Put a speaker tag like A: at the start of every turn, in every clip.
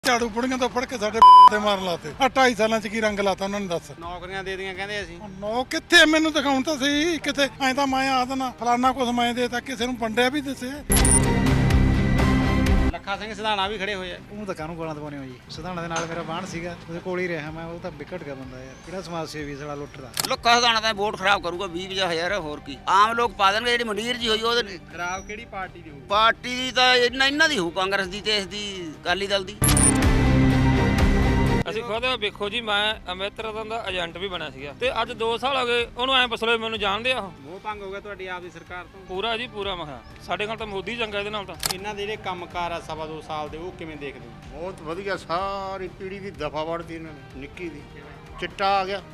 A: ਝਾੜੂ ਬੁੜੀਆਂ ਤੋਂ ਫੜ ਕੇ ਸਾਡੇ ਤੇ ਮਾਰਨ ਲਾਤੇ ਆ 2.5 ਸਾਲਾਂ ਚ ਕੀ ਰੰਗ ਲਾਤਾ ਉਹਨਾਂ ਨੇ ਦੱਸ।
B: ਨੌਕਰੀਆਂ ਦੇ ਦੀਆਂ ਕਹਿੰਦੇ ਅਸੀਂ।
A: ਨੋ ਕਿੱਥੇ ਮੈਨੂੰ ਦਿਖਾਉਣ ਤਾਂ ਸਹੀ ਕਿਤੇ ਐਂ ਤਾਂ ਮੈਂ ਆ ਦੇਣਾ ਫਲਾਨਾ ਕੁਛ ਮੈਂ ਦੇ ਤਾਂ ਕਿਸੇ ਨੂੰ ਵੰਡਿਆ ਵੀ ਦੱਸੇ।
B: ਲੱਖਾ ਸਿੰਘ ਸਿਧਾਣਾ ਵੀ ਖੜੇ ਹੋਏ ਆ।
C: ਉਹ ਤਾਂ ਕਾਹਨੂੰ ਗਾਲਾਂ ਦਵਾਉਣੇ ਹੋ ਜੀ। ਸਿਧਾਣਾ ਦੇ ਨਾਲ ਮੇਰਾ ਬਾਣ ਸੀਗਾ, ਉਹਦੇ ਕੋਲ ਹੀ ਰਿਹਾ ਮੈਂ। ਉਹ ਤਾਂ ਵਿਕਟ ਗਿਆ ਬੰਦਾ ਯਾਰ, ਕਿਹੜਾ ਸਮਾਜ ਸੇਵੀ ਸਾਲਾ ਲੁੱਟਦਾ।
D: ਲੱਖਾ ਸਿਧਾਣਾ ਤਾਂ ਵੋਟ ਖਰਾਬ ਕਰੂਗਾ 20-50 ਹੋਰ ਕੀ ਆਮ ਲੋਕ ਪਾ ਦੇਣਗੇ। ਜਿਹੜੀ ਮੰਡੀਰ ਜੀ ਹੋਈ ਉਹਦੇ
B: ਖਰਾਬ ਕਿਹੜੀ ਪਾਰਟੀ ਦੀ ਹੋਊ?
D: ਪਾਰਟੀ ਦੀ ਤਾਂ ਇਹਨਾਂ ਦੀ ਹੋਊ, ਕਾਂਗਰਸ ਦੀ ਤੇ ਇਸ ਦੀ ਅਕਾਲੀ ਦਲ ਦੀ।
E: ਅਸੀਂ ਖੁਦ ਵੇਖੋ ਜੀ, ਮੈਂ ਅਮਿਤ ਰਤਨ ਦਾ ਏਜੰਟ ਵੀ ਬਣਿਆ ਸੀਗਾ ਤੇ ਅੱਜ 2 ਸਾਲ ਹੋ ਗਏ ਉਹਨੂੰ ਐਂ ਪੁੱਛ ਲਓ ਮੈਨੂੰ ਜਾਣਦੇ ਆ ਉਹ।
B: ਮੋਹ ਭੰਗ ਹੋ ਗਿਆ ਤੁਹਾਡੀ ਆਪ ਦੀ ਸਰਕਾਰ ਤੋਂ?
E: ਪੂਰਾ ਜੀ ਪੂਰਾ। ਮੈਂ ਕਿਹਾ ਸਾਡੇ ਨਾਲ ਤਾਂ ਮੋਦੀ ਚੰਗਾ, ਇਹਦੇ ਨਾਲ ਤਾਂ।
B: ਇਹਨਾਂ ਦੇ ਜਿਹੜੇ ਕੰਮਕਾਰ ਆ 2.5 ਸਾਲ ਦੇ, ਉਹ ਕਿਵੇਂ ਦੇਖਦੇ ਹੋ?
F: ਬਹੁਤ ਵਧੀਆ, ਸਾਰੀ ਪੀੜੀ ਦੀ ਦਫਾ ਵੜਦੀ ਇਹਨਾਂ ਨੇ। ਨਿੱਕੀ ਦੀ ਚਿੱਟਾ ਆ ਗਿਆ।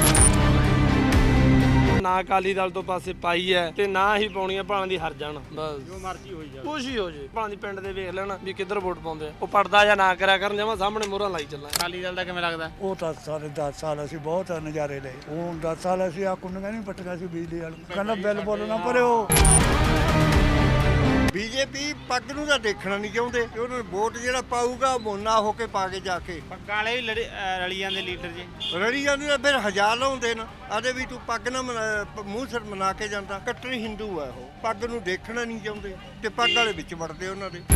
G: ਨਾ ਅਕਾਲੀ ਦਲ ਤੋਂ ਪਾਸੇ ਪਾਈ ਹੈ ਤੇ ਨਾ ਹੀ ਪਾਉਣੀ ਹੈ, ਭਾਵੇਂ ਦੀ ਹਰ ਜਾਣ ਬਸ
B: ਜੋ ਮਰਜ਼ੀ ਹੋਈ ਜਾਵੇ,
G: ਕੁਛ ਹੀ ਹੋ ਜੇ। ਭਾਵੇਂ ਦੀ ਪਿੰਡ ਦੇ ਵੇਖ ਲੈਣ ਵੀ ਕਿੱਧਰ ਵੋਟ ਪਾਉਂਦੇ ਆ। ਉਹ ਪੜਦਾ ਜਾਂ ਨਾ ਕਰਿਆ ਕਰਨ, ਜਮਾਂ ਸਾਹਮਣੇ ਮੋਹਰਾਂ ਲਾਈ ਚੱਲਾਂ।
B: ਅਕਾਲੀ ਦਲ ਦਾ ਕਿਵੇਂ ਲੱਗਦਾ?
H: ਉਹ ਤਾਂ ਸਾਰੇ 10 ਸਾਲ ਅਸੀਂ ਬਹੁਤ ਨਜ਼ਾਰੇ ਲਏ। ਉਹ 10 ਸਾਲ ਅਸੀਂ ਆ ਕੁੰਡੀਆਂ ਨਹੀਂ ਪੱਟੀਆਂ ਸੀ ਬਿਜਲੀ ਵਾਲ। ਕਹਿੰਦਾ ਬਿੱਲ ਬੋਲਣਾ ਭਰਿਓ।
F: ਬੀਜੇਪੀ ਪੱਗ ਨੂੰ ਤਾਂ ਦੇਖਣਾ ਨਹੀਂ ਚਾਹੁੰਦੇ ਕਿ ਉਹਨਾਂ ਨੂੰ ਵੋਟ ਜਿਹੜਾ ਪਾਊਗਾ ਮੋਨਾ ਹੋ ਕੇ ਪਾ ਕੇ ਜਾ ਕੇ
B: ਪੱਗਾਂ ਵਾਲੇ ਵੀ ਰਲੀ ਜਾਂਦੇ ਲੀਡਰ ਜੀ।
F: ਰੜੀ ਜਾਂਦੀ ਤਾਂ ਫਿਰ ਹਜ਼ਾਰ ਲਾਉਂਦੇ ਨਾ ਆਦੇ ਵੀ ਤੂੰ ਪੱਗ ਨਾ ਮੂੰਹ ਸਿਰ ਮਨਾ ਕੇ ਜਾਂਦਾ। ਕੱਟੜੀ ਹਿੰਦੂ ਆ ਉਹ, ਪੱਗ ਨੂੰ ਦੇਖਣਾ ਨਹੀਂ ਚਾਹੁੰਦੇ ਤੇ ਪੱਗ ਵਾਲੇ ਵਿੱਚ ਵੜਦੇ ਉਹਨਾਂ ਦੇ।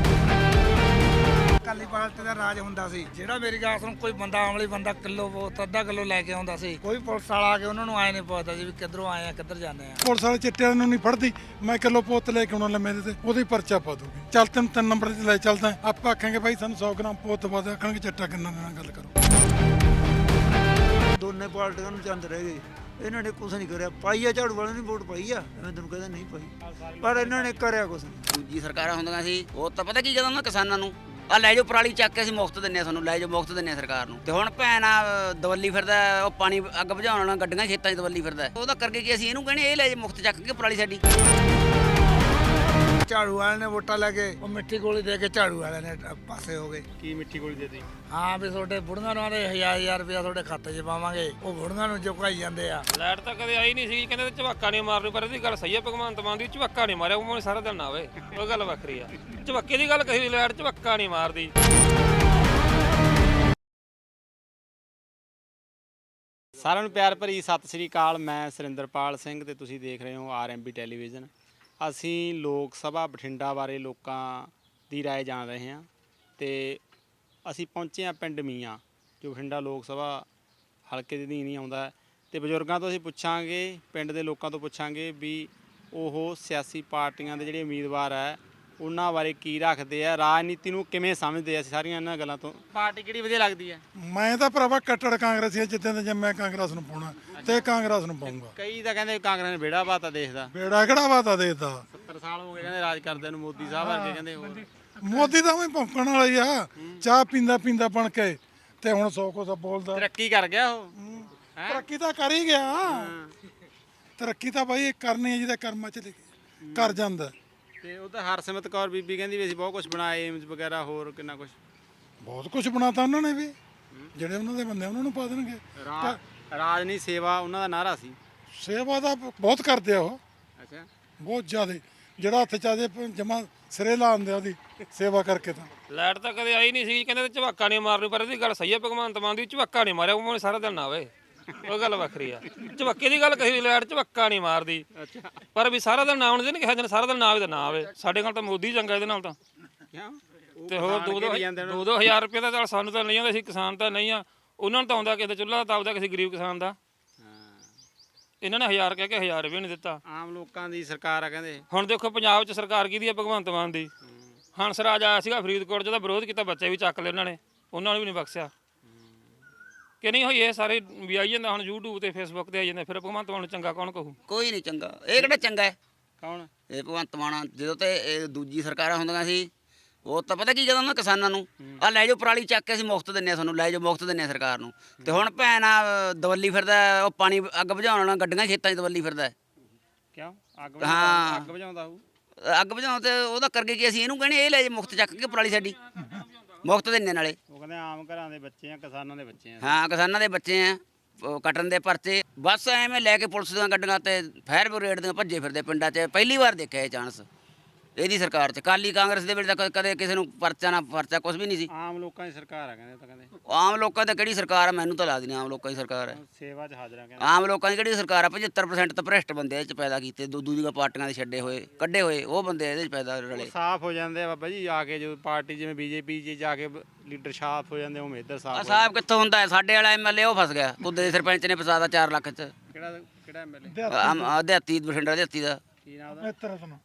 C: ਅਕਾਲੀ ਪਾਰਟੀ ਦਾ ਰਾਜ ਹੁੰਦਾ ਸੀ। ਜਿਹੜਾ ਮੇਰੀ ਗੱਲ ਸੁਣ, ਕੋਈ ਬੰਦਾ ਆਮਲੀ ਬੰਦਾ ਕਿਲੋ ਬਹੁਤ ਅੱਧਾ ਕਿਲੋ ਲੈ ਕੇ ਆਉਂਦਾ ਸੀ। ਕੋਈ ਪੁਲਿਸ ਵਾਲਾ ਆ ਕੇ ਉਹਨਾਂ ਨੂੰ ਆਏ ਨਹੀਂ ਪੁੱਛਦਾ ਜੀ ਵੀ ਕਿੱਧਰੋਂ ਆਏ ਆ ਕਿੱਧਰ ਜਾਂਦੇ ਆ।
A: ਪੁਲਿਸ ਵਾਲੇ ਚਿੱਟਿਆਂ ਨੂੰ ਨਹੀਂ ਫੜਦੀ। ਮੈਂ ਕਿਲੋ ਪੁੱਤ ਲੈ ਕੇ ਆਉਣਾ ਲੰਮੇ ਦੇ ਤੇ ਉਹਦੀ ਪਰਚਾ ਪਾ ਦੂਗੀ। ਚੱਲ ਤੈਨੂੰ 3 ਨੰਬਰ ਤੇ ਲੈ ਚੱਲਦਾ। ਆਪਾਂ ਆਖਾਂਗੇ ਭਾਈ ਸਾਨੂੰ 100 ਗ੍ਰਾਮ ਪੁੱਤ ਪਾ ਦੇ, ਆਖਣਗੇ ਚਿੱਟਾ ਕਿੰਨਾ ਦੇਣਾ, ਗੱਲ ਕਰੋ।
H: ਦੋਨੇ ਪਾਰਟੀਆਂ ਨੂੰ ਚੰਦ ਰਹਿ ਗਏ। ਇਹਨਾਂ ਨੇ ਕੁਛ ਨਹੀਂ ਕਰਿਆ। ਪਾਈ ਆ ਝਾੜੂ ਵਾਲਿਆਂ ਨੇ ਵੋਟ ਪਾਈ ਆ, ਮੈਂ ਤੈਨੂੰ ਕਹਿੰਦਾ ਨਹੀਂ ਪਾਈ, ਪਰ ਇਹਨਾਂ ਨੇ ਕਰਿਆ ਕੁਛ ਨਹੀਂ।
D: ਦੂਜੀ ਸਰਕਾਰਾਂ ਹੁੰਦੀਆਂ ਸੀ, ਉਹ ਤਾਂ ਪਤਾ ਕੀ ਕਹਿੰਦਾ ਉਹਨਾਂ ਕਿਸਾਨਾਂ ਨੂੰ, ਆ ਲੈ ਜਾਓ ਪਰਾਲੀ ਚੱਕ ਕੇ ਅਸੀਂ ਮੁਫਤ ਦਿੰਨੇ ਆ, ਤੁਹਾਨੂੰ ਲੈ ਜਾਓ ਮੁਫਤ ਦਿੰਨੇ ਆ ਸਰਕਾਰ ਨੂੰ। ਤੇ ਹੁਣ ਭੈਣ ਆ ਦਵੱਲੀ ਫਿਰਦਾ, ਉਹ ਪਾਣੀ ਅੱਗ ਬੁਝਾਉਣ ਵਾਲਾ ਗੱਡੀਆਂ ਖੇਤਾਂ 'ਚ ਦਵੱਲੀ ਫਿਰਦਾ। ਉਹਦਾ ਕਰਕੇ ਕੀ ਅਸੀਂ ਇਹਨੂੰ ਕਹਿੰਦੇ ਇਹ ਲੈ ਜਾਓ ਮੁਫਤ ਚੱਕ ਕੇ ਪਰਾਲੀ ਸਾਡੀ।
C: ਝਾੜੂ ਵਾਲਿਆਂ ਨੇ ਵੋਟਾਂ ਲੈ ਕੇ ਉਹ ਮਿੱਠੀ ਗੋਲੀ ਦੇ ਕੇ ਝਾੜੂ ਵਾਲਿਆਂ ਨੇ ਪਾਸੇ ਹੋ ਗਏ।
B: ਕੀ ਮਿੱਠੀ ਗੋਲੀ ਦੇਤੀ?
C: ਹਾਂ ਵੀ ਤੁਹਾਡੇ ਬੁੜੀਆਂ ਨੂੰ ਆਦੇ 1000 ਰੁਪਇਆ ਤੁਹਾਡੇ ਖਾਤੇ 'ਚ ਪਾਵਾਂਗੇ। ਉਹ ਬੁੜੀਆਂ ਨੂੰ ਚੁਕਾਈ ਜਾਂਦੇ ਆ।
E: ਲਾਈਟ ਤਾਂ ਕਦੇ ਆਈ ਨਹੀਂ ਸੀ, ਕਹਿੰਦੇ ਝਵੱਕਾ ਨਹੀਂ ਮਾਰਨੀ। ਪਰ ਇਹਦੀ ਗੱਲ ਸਹੀ ਹੈ, ਭਗਵੰਤ ਮਾਨ ਦੀ ਝਵੱਕਾ ਨਹੀਂ ਮਾਰਿਆ ਉਹ ਸਾਰਾ ਦਿਨ ਨਾ ਆਵੇ, ਉਹ ਗੱਲ ਵੱਖਰੀ ਆ। ਝਵੱਕੇ ਦੀ ਗੱਲ ਕਹੀ, ਲਾਈਟ ਝਵੱਕਾ ਨਹੀਂ ਮਾਰਦੀ।
B: ਸਾਰਿਆਂ ਨੂੰ ਪਿਆਰ ਭਰੀ ਸਤਿ ਸ੍ਰੀ ਅਕਾਲ। ਮੈਂ ਸੁਰਿੰਦਰਪਾਲ ਸਿੰਘ ਤੇ ਤੁਸੀਂ ਦੇਖ ਰਹੇ ਹੋ ਆਰਐਮਬੀ ਟੈਲੀਵਿਜ਼ਨ। ਅਸੀਂ ਲੋਕ ਸਭਾ ਬਠਿੰਡਾ ਬਾਰੇ ਲੋਕਾਂ ਦੀ ਰਾਏ ਜਾਣ ਰਹੇ ਹਾਂ ਤੇ ਅਸੀਂ ਪਹੁੰਚੇ ਹਾਂ ਪਿੰਡ ਮੀਆਂ, ਜੋ ਬਠਿੰਡਾ ਲੋਕ ਸਭਾ ਹਲਕੇ ਦੇ ਅਧੀਨ ਹੀ ਆਉਂਦਾ ਹੈ। ਤੇ ਬਜ਼ੁਰਗਾਂ ਤੋਂ ਅਸੀਂ ਪੁੱਛਾਂਗੇ, ਪਿੰਡ ਦੇ ਲੋਕਾਂ ਤੋਂ ਪੁੱਛਾਂਗੇ ਵੀ ਉਹ ਸਿਆਸੀ ਪਾਰਟੀਆਂ ਦੇ ਜਿਹੜੇ ਉਮੀਦਵਾਰ ਹੈ ਉਹਨਾਂ ਬਾਰੇ ਕੀ ਰੱਖਦੇ ਆ, ਰਾਜਨੀਤੀ ਨੂੰ ਕਿਵੇਂ ਸਮਝਦੇ ਆ। ਅਸੀਂ ਸਾਰੀਆਂ ਇਹਨਾਂ ਗੱਲਾਂ ਤੋਂ। ਪਾਰਟੀ ਕਿਹੜੀ ਵਧੀਆ ਲੱਗਦੀ ਹੈ?
A: ਮੈਂ ਤਾਂ ਭਰਾਵਾ ਕੱਟੜ ਕਾਂਗਰਸੀ ਆ। ਜਿੱਦਾਂ ਦੇ ਮੈਂ ਕਾਂਗਰਸ ਨੂੰ ਪਾਉਣਾ ਤੇ ਕਾਂਗਰਸ ਨੂੰ ਪਾਉਂਗਾ।
B: ਕਈ ਤਾਂ ਕਹਿੰਦੇ ਕਾਂਗਰਸ ਨੇ ਬੇੜਾ ਬਾਤਾ ਦੇਖਦਾ।
A: ਬੇੜਾ ਕਿਹੜਾ ਵਾਤਾ ਦੇਤਾ।
B: 70 ਸਾਲ ਹੋ ਗਏ ਕਹਿੰਦੇ ਰਾਜ ਕਰਦੇ ਨੂੰ, ਮੋਦੀ ਸਾਹਿਬ ਵਰਗੇ ਕਹਿੰਦੇ। ਹੋਰ
A: ਮੋਦੀ ਤਾਂ ਵੀ ਭੌਂਕਣ ਵਾਲਾ ਹੀ ਆ, ਚਾਹ ਪੀਂਦਾ ਪੀਂਦਾ ਬਣ ਕੇ ਤੇ ਹੁਣ 100 ਕੁਛ ਬੋਲਦਾ।
B: ਤਰੱਕੀ ਕਰ ਗਿਆ ਉਹ।
A: ਤਰੱਕੀ ਤਾਂ ਕਰ ਹੀ ਗਿਆ। ਤਰੱਕੀ ਤਾਂ ਬਾਈ ਕਰਨੀ ਹੈ ਜਿਹਦਾ ਕਰਮਾਂ ਚ ਲਿਖਿਆ, ਕਰ ਜਾਂਦਾ।
B: ਤੇ ਉਹ ਤਾਂ ਹਰਸਿਮਰਤ ਕੌਰ ਬੀਬੀ ਕਹਿੰਦੀ ਵੀ ਅਸੀਂ ਬਹੁਤ ਕੁਝ ਬਣਾਏ, ਏਮਜ਼ ਵਗੈਰਾ ਹੋਰ ਕਿੰਨਾ ਕੁਝ।
A: ਬਹੁਤ ਕੁਝ ਬਣਾਤਾ ਉਹਨਾਂ ਨੇ ਵੀ। ਜਿਹੜੇ ਉਹਨਾਂ ਦੇ ਬੰਦੇ ਉਹਨਾਂ ਨੂੰ ਪਾ ਦੇਣਗੇ।
B: ਰਾਜ ਨਹੀਂ ਸੇਵਾ ਉਹਨਾਂ ਦਾ ਨਾਰਾ ਸੀ।
A: ਸੇਵਾ ਦਾ ਬਹੁਤ ਕਰਦੇ ਆ ਉਹ,
B: ਅੱਛਾ,
A: ਬਹੁਤ ਜ਼ਿਆਦਾ। ਜਿਹੜਾ ਹੱਥ ਚ ਆ ਜੇ ਜਮਾ ਸਿਰੇ ਲਾ ਦਿੰਦੇ ਉਹਦੀ ਸੇਵਾ ਕਰਕੇ। ਤਾਂ
E: ਲਾਈਟ ਤਾਂ ਕਦੇ ਆਈ ਨਹੀਂ ਸੀ, ਕਹਿੰਦੇ ਝਵੱਕਾ ਨਹੀਂ ਮਾਰਨੀ। ਪਰ ਇਹਦੀ ਗੱਲ ਸਹੀ ਹੈ, ਭਗਵੰਤ ਮਾਨ ਦੀ ਝਵੱਕਾ ਨਹੀਂ ਮਾਰਿਆ ਉਹ ਸਾਰਾ ਦਿਨ ਨਾ ਆਵੇ, ਉਹ ਗੱਲ ਵੱਖਰੀ ਆ। ਝਵੱਕੇ ਦੀ ਗੱਲ ਕਹੀ, ਲਾਈਟ ਝਵੱਕਾ ਨਹੀਂ ਮਾਰਦੀ। ਪਰ ਵੀ ਸਾਰਾ ਦਿਨ ਨਾ ਆਉਣ ਦੇ ਨਹੀਂ ਕਿਹਾ, ਸਾਰਾ ਦਿਨ ਨਾ ਆਵੇ ਤਾਂ ਨਾ ਆਵੇ। ਸਾਡੇ ਨਾਲ ਤਾਂ ਮੋਦੀ ਚੰਗਾ ਇਹਦੇ ਨਾਲ ਤਾਂ। ਤੇ ਹੋਰ 2-2 ਹਜ਼ਾਰ ਰੁਪਏ ਦਾ ਚੱਲ ਸਾਨੂੰ ਤਾਂ ਨਹੀਂ ਆਉਂਦਾ, ਅਸੀਂ ਕਿਸਾਨ ਤਾਂ ਨਹੀਂ ਆ। ਉਹਨਾਂ ਨੂੰ ਤਾਂ ਆਉਂਦਾ ਕਿਸੇ ਦਾ ਚੁੱਲ੍ਹਾ ਤਾਂ ਆਉਂਦਾ ਕਿਸੇ ਗਰੀਬ ਕਿਸਾਨ ਦਾ। ਇਹਨਾਂ ਨੇ 1000 ਕਹਿ ਕੇ 1000 ਰੁਪਏ ਨਹੀਂ ਦਿੱਤਾ।
B: ਆਮ ਲੋਕਾਂ ਦੀ ਸਰਕਾਰ ਆ ਕਹਿੰਦੇ।
E: ਹੁਣ ਦੇਖੋ ਪੰਜਾਬ 'ਚ ਸਰਕਾਰ ਕਿਹਦੀ ਆ? ਭਗਵੰਤ ਮਾਨ ਦੀ। ਹੰਸ ਰਾਜ ਆਇਆ ਸੀਗਾ ਫਰੀਦਕੋਟ 'ਚ, ਦਾ ਵਿਰੋਧ ਕੀਤਾ, ਬੱਚੇ ਵੀ ਚੱਕ ਲਏ ਉਹਨਾਂ ਨੇ, ਉਹਨਾਂ ਨੂੰ ਵੀ ਨਹੀਂ ਬਖਸ਼ਿਆ ਕਿ ਨਹੀਂ ਹੋਈ। ਇਹ ਸਾਰੇ ਵੀ ਆਈ ਜਾਂਦਾ ਹੁਣ YouTube ਤੇ Facebook ਤੇ ਆਈ ਜਾਂਦੇ। ਫਿਰ ਭਗਵੰਤ ਮਾਨ ਨੂੰ ਚੰਗਾ ਕੌਣ ਕਹੂ?
D: ਕੋਈ ਨਹੀਂ ਚੰਗਾ। ਇਹ ਕਿਹੜਾ ਚੰਗਾ ਹੈ?
B: ਕੌਣ?
D: ਇਹ ਭਗਵੰਤ ਮਾਨ। ਜਦੋਂ ਤੇ ਇਹ ਦੂਜੀ ਸਰਕਾਰਾਂ ਹੁੰਦੀਆਂ ਸੀ, ਉਹ ਤਾਂ ਪਤਾ ਕੀ ਕਹਿੰਦਾ ਉਹਨਾਂ ਕਿਸਾਨਾਂ ਨੂੰ, ਆ ਲੈ ਜਾਓ ਪਰਾਲੀ ਚੱਕ ਕੇ ਅਸੀਂ ਮੁਫਤ ਦਿੰਨੇ ਆ, ਤੁਹਾਨੂੰ ਲੈ ਜਾਓ ਮੁਫਤ ਦਿੰਨੇ ਆ ਸਰਕਾਰ ਨੂੰ। ਤੇ ਹੁਣ ਭੈਣ ਆ ਦਵੱਲੀ ਫਿਰਦਾ, ਉਹ ਪਾਣੀ ਅੱਗ ਬੁਝਾਉਣ ਵਾਲਾ ਗੱਡੀਆਂ ਖੇਤਾਂ 'ਚ ਦਵੱਲੀ ਫਿਰਦਾ।
B: ਕਿਉਂ? ਅੱਗ
D: ਹਾਂ,
B: ਅੱਗ ਬੁਝਾਉਂਦਾ ਹੋਊ।
D: ਅੱਗ ਬੁਝਾਉਣ ਤੇ ਉਹਦਾ ਕਰਕੇ ਕੀ ਅਸੀਂ ਇਹਨੂੰ ਕਹਿੰਦੇ ਇਹ ਲੈ ਜਾਓ ਮੁਫਤ ਚੱਕ ਕੇ ਪਰਾਲੀ ਸਾਡੀ, ਮੁਫਤ ਦਿੰਨੇ ਨਾਲੇ।
B: ਉਹ ਕਹਿੰਦੇ ਆਮ ਘਰਾਂ ਦੇ ਬੱਚੇ ਆ, ਕਿਸਾਨਾਂ ਦੇ ਬੱਚੇ ਆ।
D: ਹਾਂ, ਕਿਸਾਨਾਂ ਦੇ ਬੱਚੇ ਆ। ਕੱਟਣ ਦੇ ਪਰਚੇ ਬਸ ਐਵੇਂ ਲੈ ਕੇ ਪੁਲਿਸ ਦੀਆਂ ਗੱਡੀਆਂ ਤੇ ਫਾਇਰ ਬ੍ਰਿਗੇਡ ਦੀਆਂ ਭੱਜੇ ਫਿਰਦੇ ਪਿੰਡਾਂ 'ਚ। ਪਹਿਲੀ ਵਾਰ ਦੇਖਿਆ ਇਹ ਚਾਂਸ। ਇਹਦੀ ਸਰਕਾਰ 'ਚ। ਕਾਲੀ ਕਾਂਗਰਸ ਦੇ ਵੇਲੇ ਤਾਂ ਕਦੇ ਕਿਸੇ ਨੂੰ ਪਰਚਾ ਨਾ ਪਰਚਾ ਕੁਝ ਵੀ ਨਹੀਂ ਸੀ।
B: ਆਮ ਲੋਕਾਂ ਦੀ ਸਰਕਾਰ ਆ ਕਹਿੰਦੇ ਤਾਂ ਕਹਿੰਦੇ
D: ਆਮ ਲੋਕਾਂ ਦੀ ਕਿਹੜੀ ਸਰਕਾਰ ਆ? ਮੈਨੂੰ ਤਾਂ ਲੱਗਦੀ ਨਹੀਂ ਆਮ ਲੋਕਾਂ ਦੀ ਸਰਕਾਰ ਹੈ।
B: ਸੇਵਾ 'ਚ ਹਾਜ਼ਰਾਂ ਕਹਿੰਦੇ।
D: ਆਮ ਲੋਕਾਂ ਦੀ ਕਿਹੜੀ ਸਰਕਾਰ ਆ? 75% ਤਾਂ ਭ੍ਰਿਸ਼ਟ ਬੰਦੇ ਇਹ 'ਚ ਪੈਦਾ ਕੀਤੇ, ਦੂਜੀਆਂ ਪਾਰਟੀਆਂ ਦੇ ਛੱਡੇ ਹੋਏ ਕੱਢੇ ਹੋਏ ਉਹ ਬੰਦੇ ਇਹਦੇ 'ਚ ਪੈਦਾ ਰਲੇ।
B: ਸਾਫ਼ ਹੋ ਜਾਂਦੇ ਆ ਬਾਬਾ ਜੀ ਆ ਕੇ, ਜਦੋਂ ਪਾਰਟੀ ਜਿਵੇਂ ਬੀਜੇਪੀ 'ਚ ਜਾ ਕੇ ਲੀਡਰ ਸਾਫ਼ ਹੋ ਜਾਂਦੇ ਉਵੇਂ ਇੱਧਰ ਸਾਫ਼
D: ਆ
B: ਹੋ
D: ਸਾਹਿਬ ਕਿੱਥੋਂ ਹੁੰਦਾ ਹੈ? ਸਾਡੇ ਵਾਲਾ ਐਮਐਲਏ ਉਹ ਫਸ ਗਿਆ, ਕੁੱਦੇ ਦੇ ਸਰਪੰਚ ਨੇ ਫਸਾਦਾ 4 ਲੱਖ 'ਚ।
B: ਕਿਹੜਾ ਐਮਐਲਏ
D: ਦਿਹਾਤੀ ਬਠਿੰਡਾ ਦਿਹਾਤੀ ਦਾ।
B: ਕੀ ਨਾਮ ਉਹਦਾ?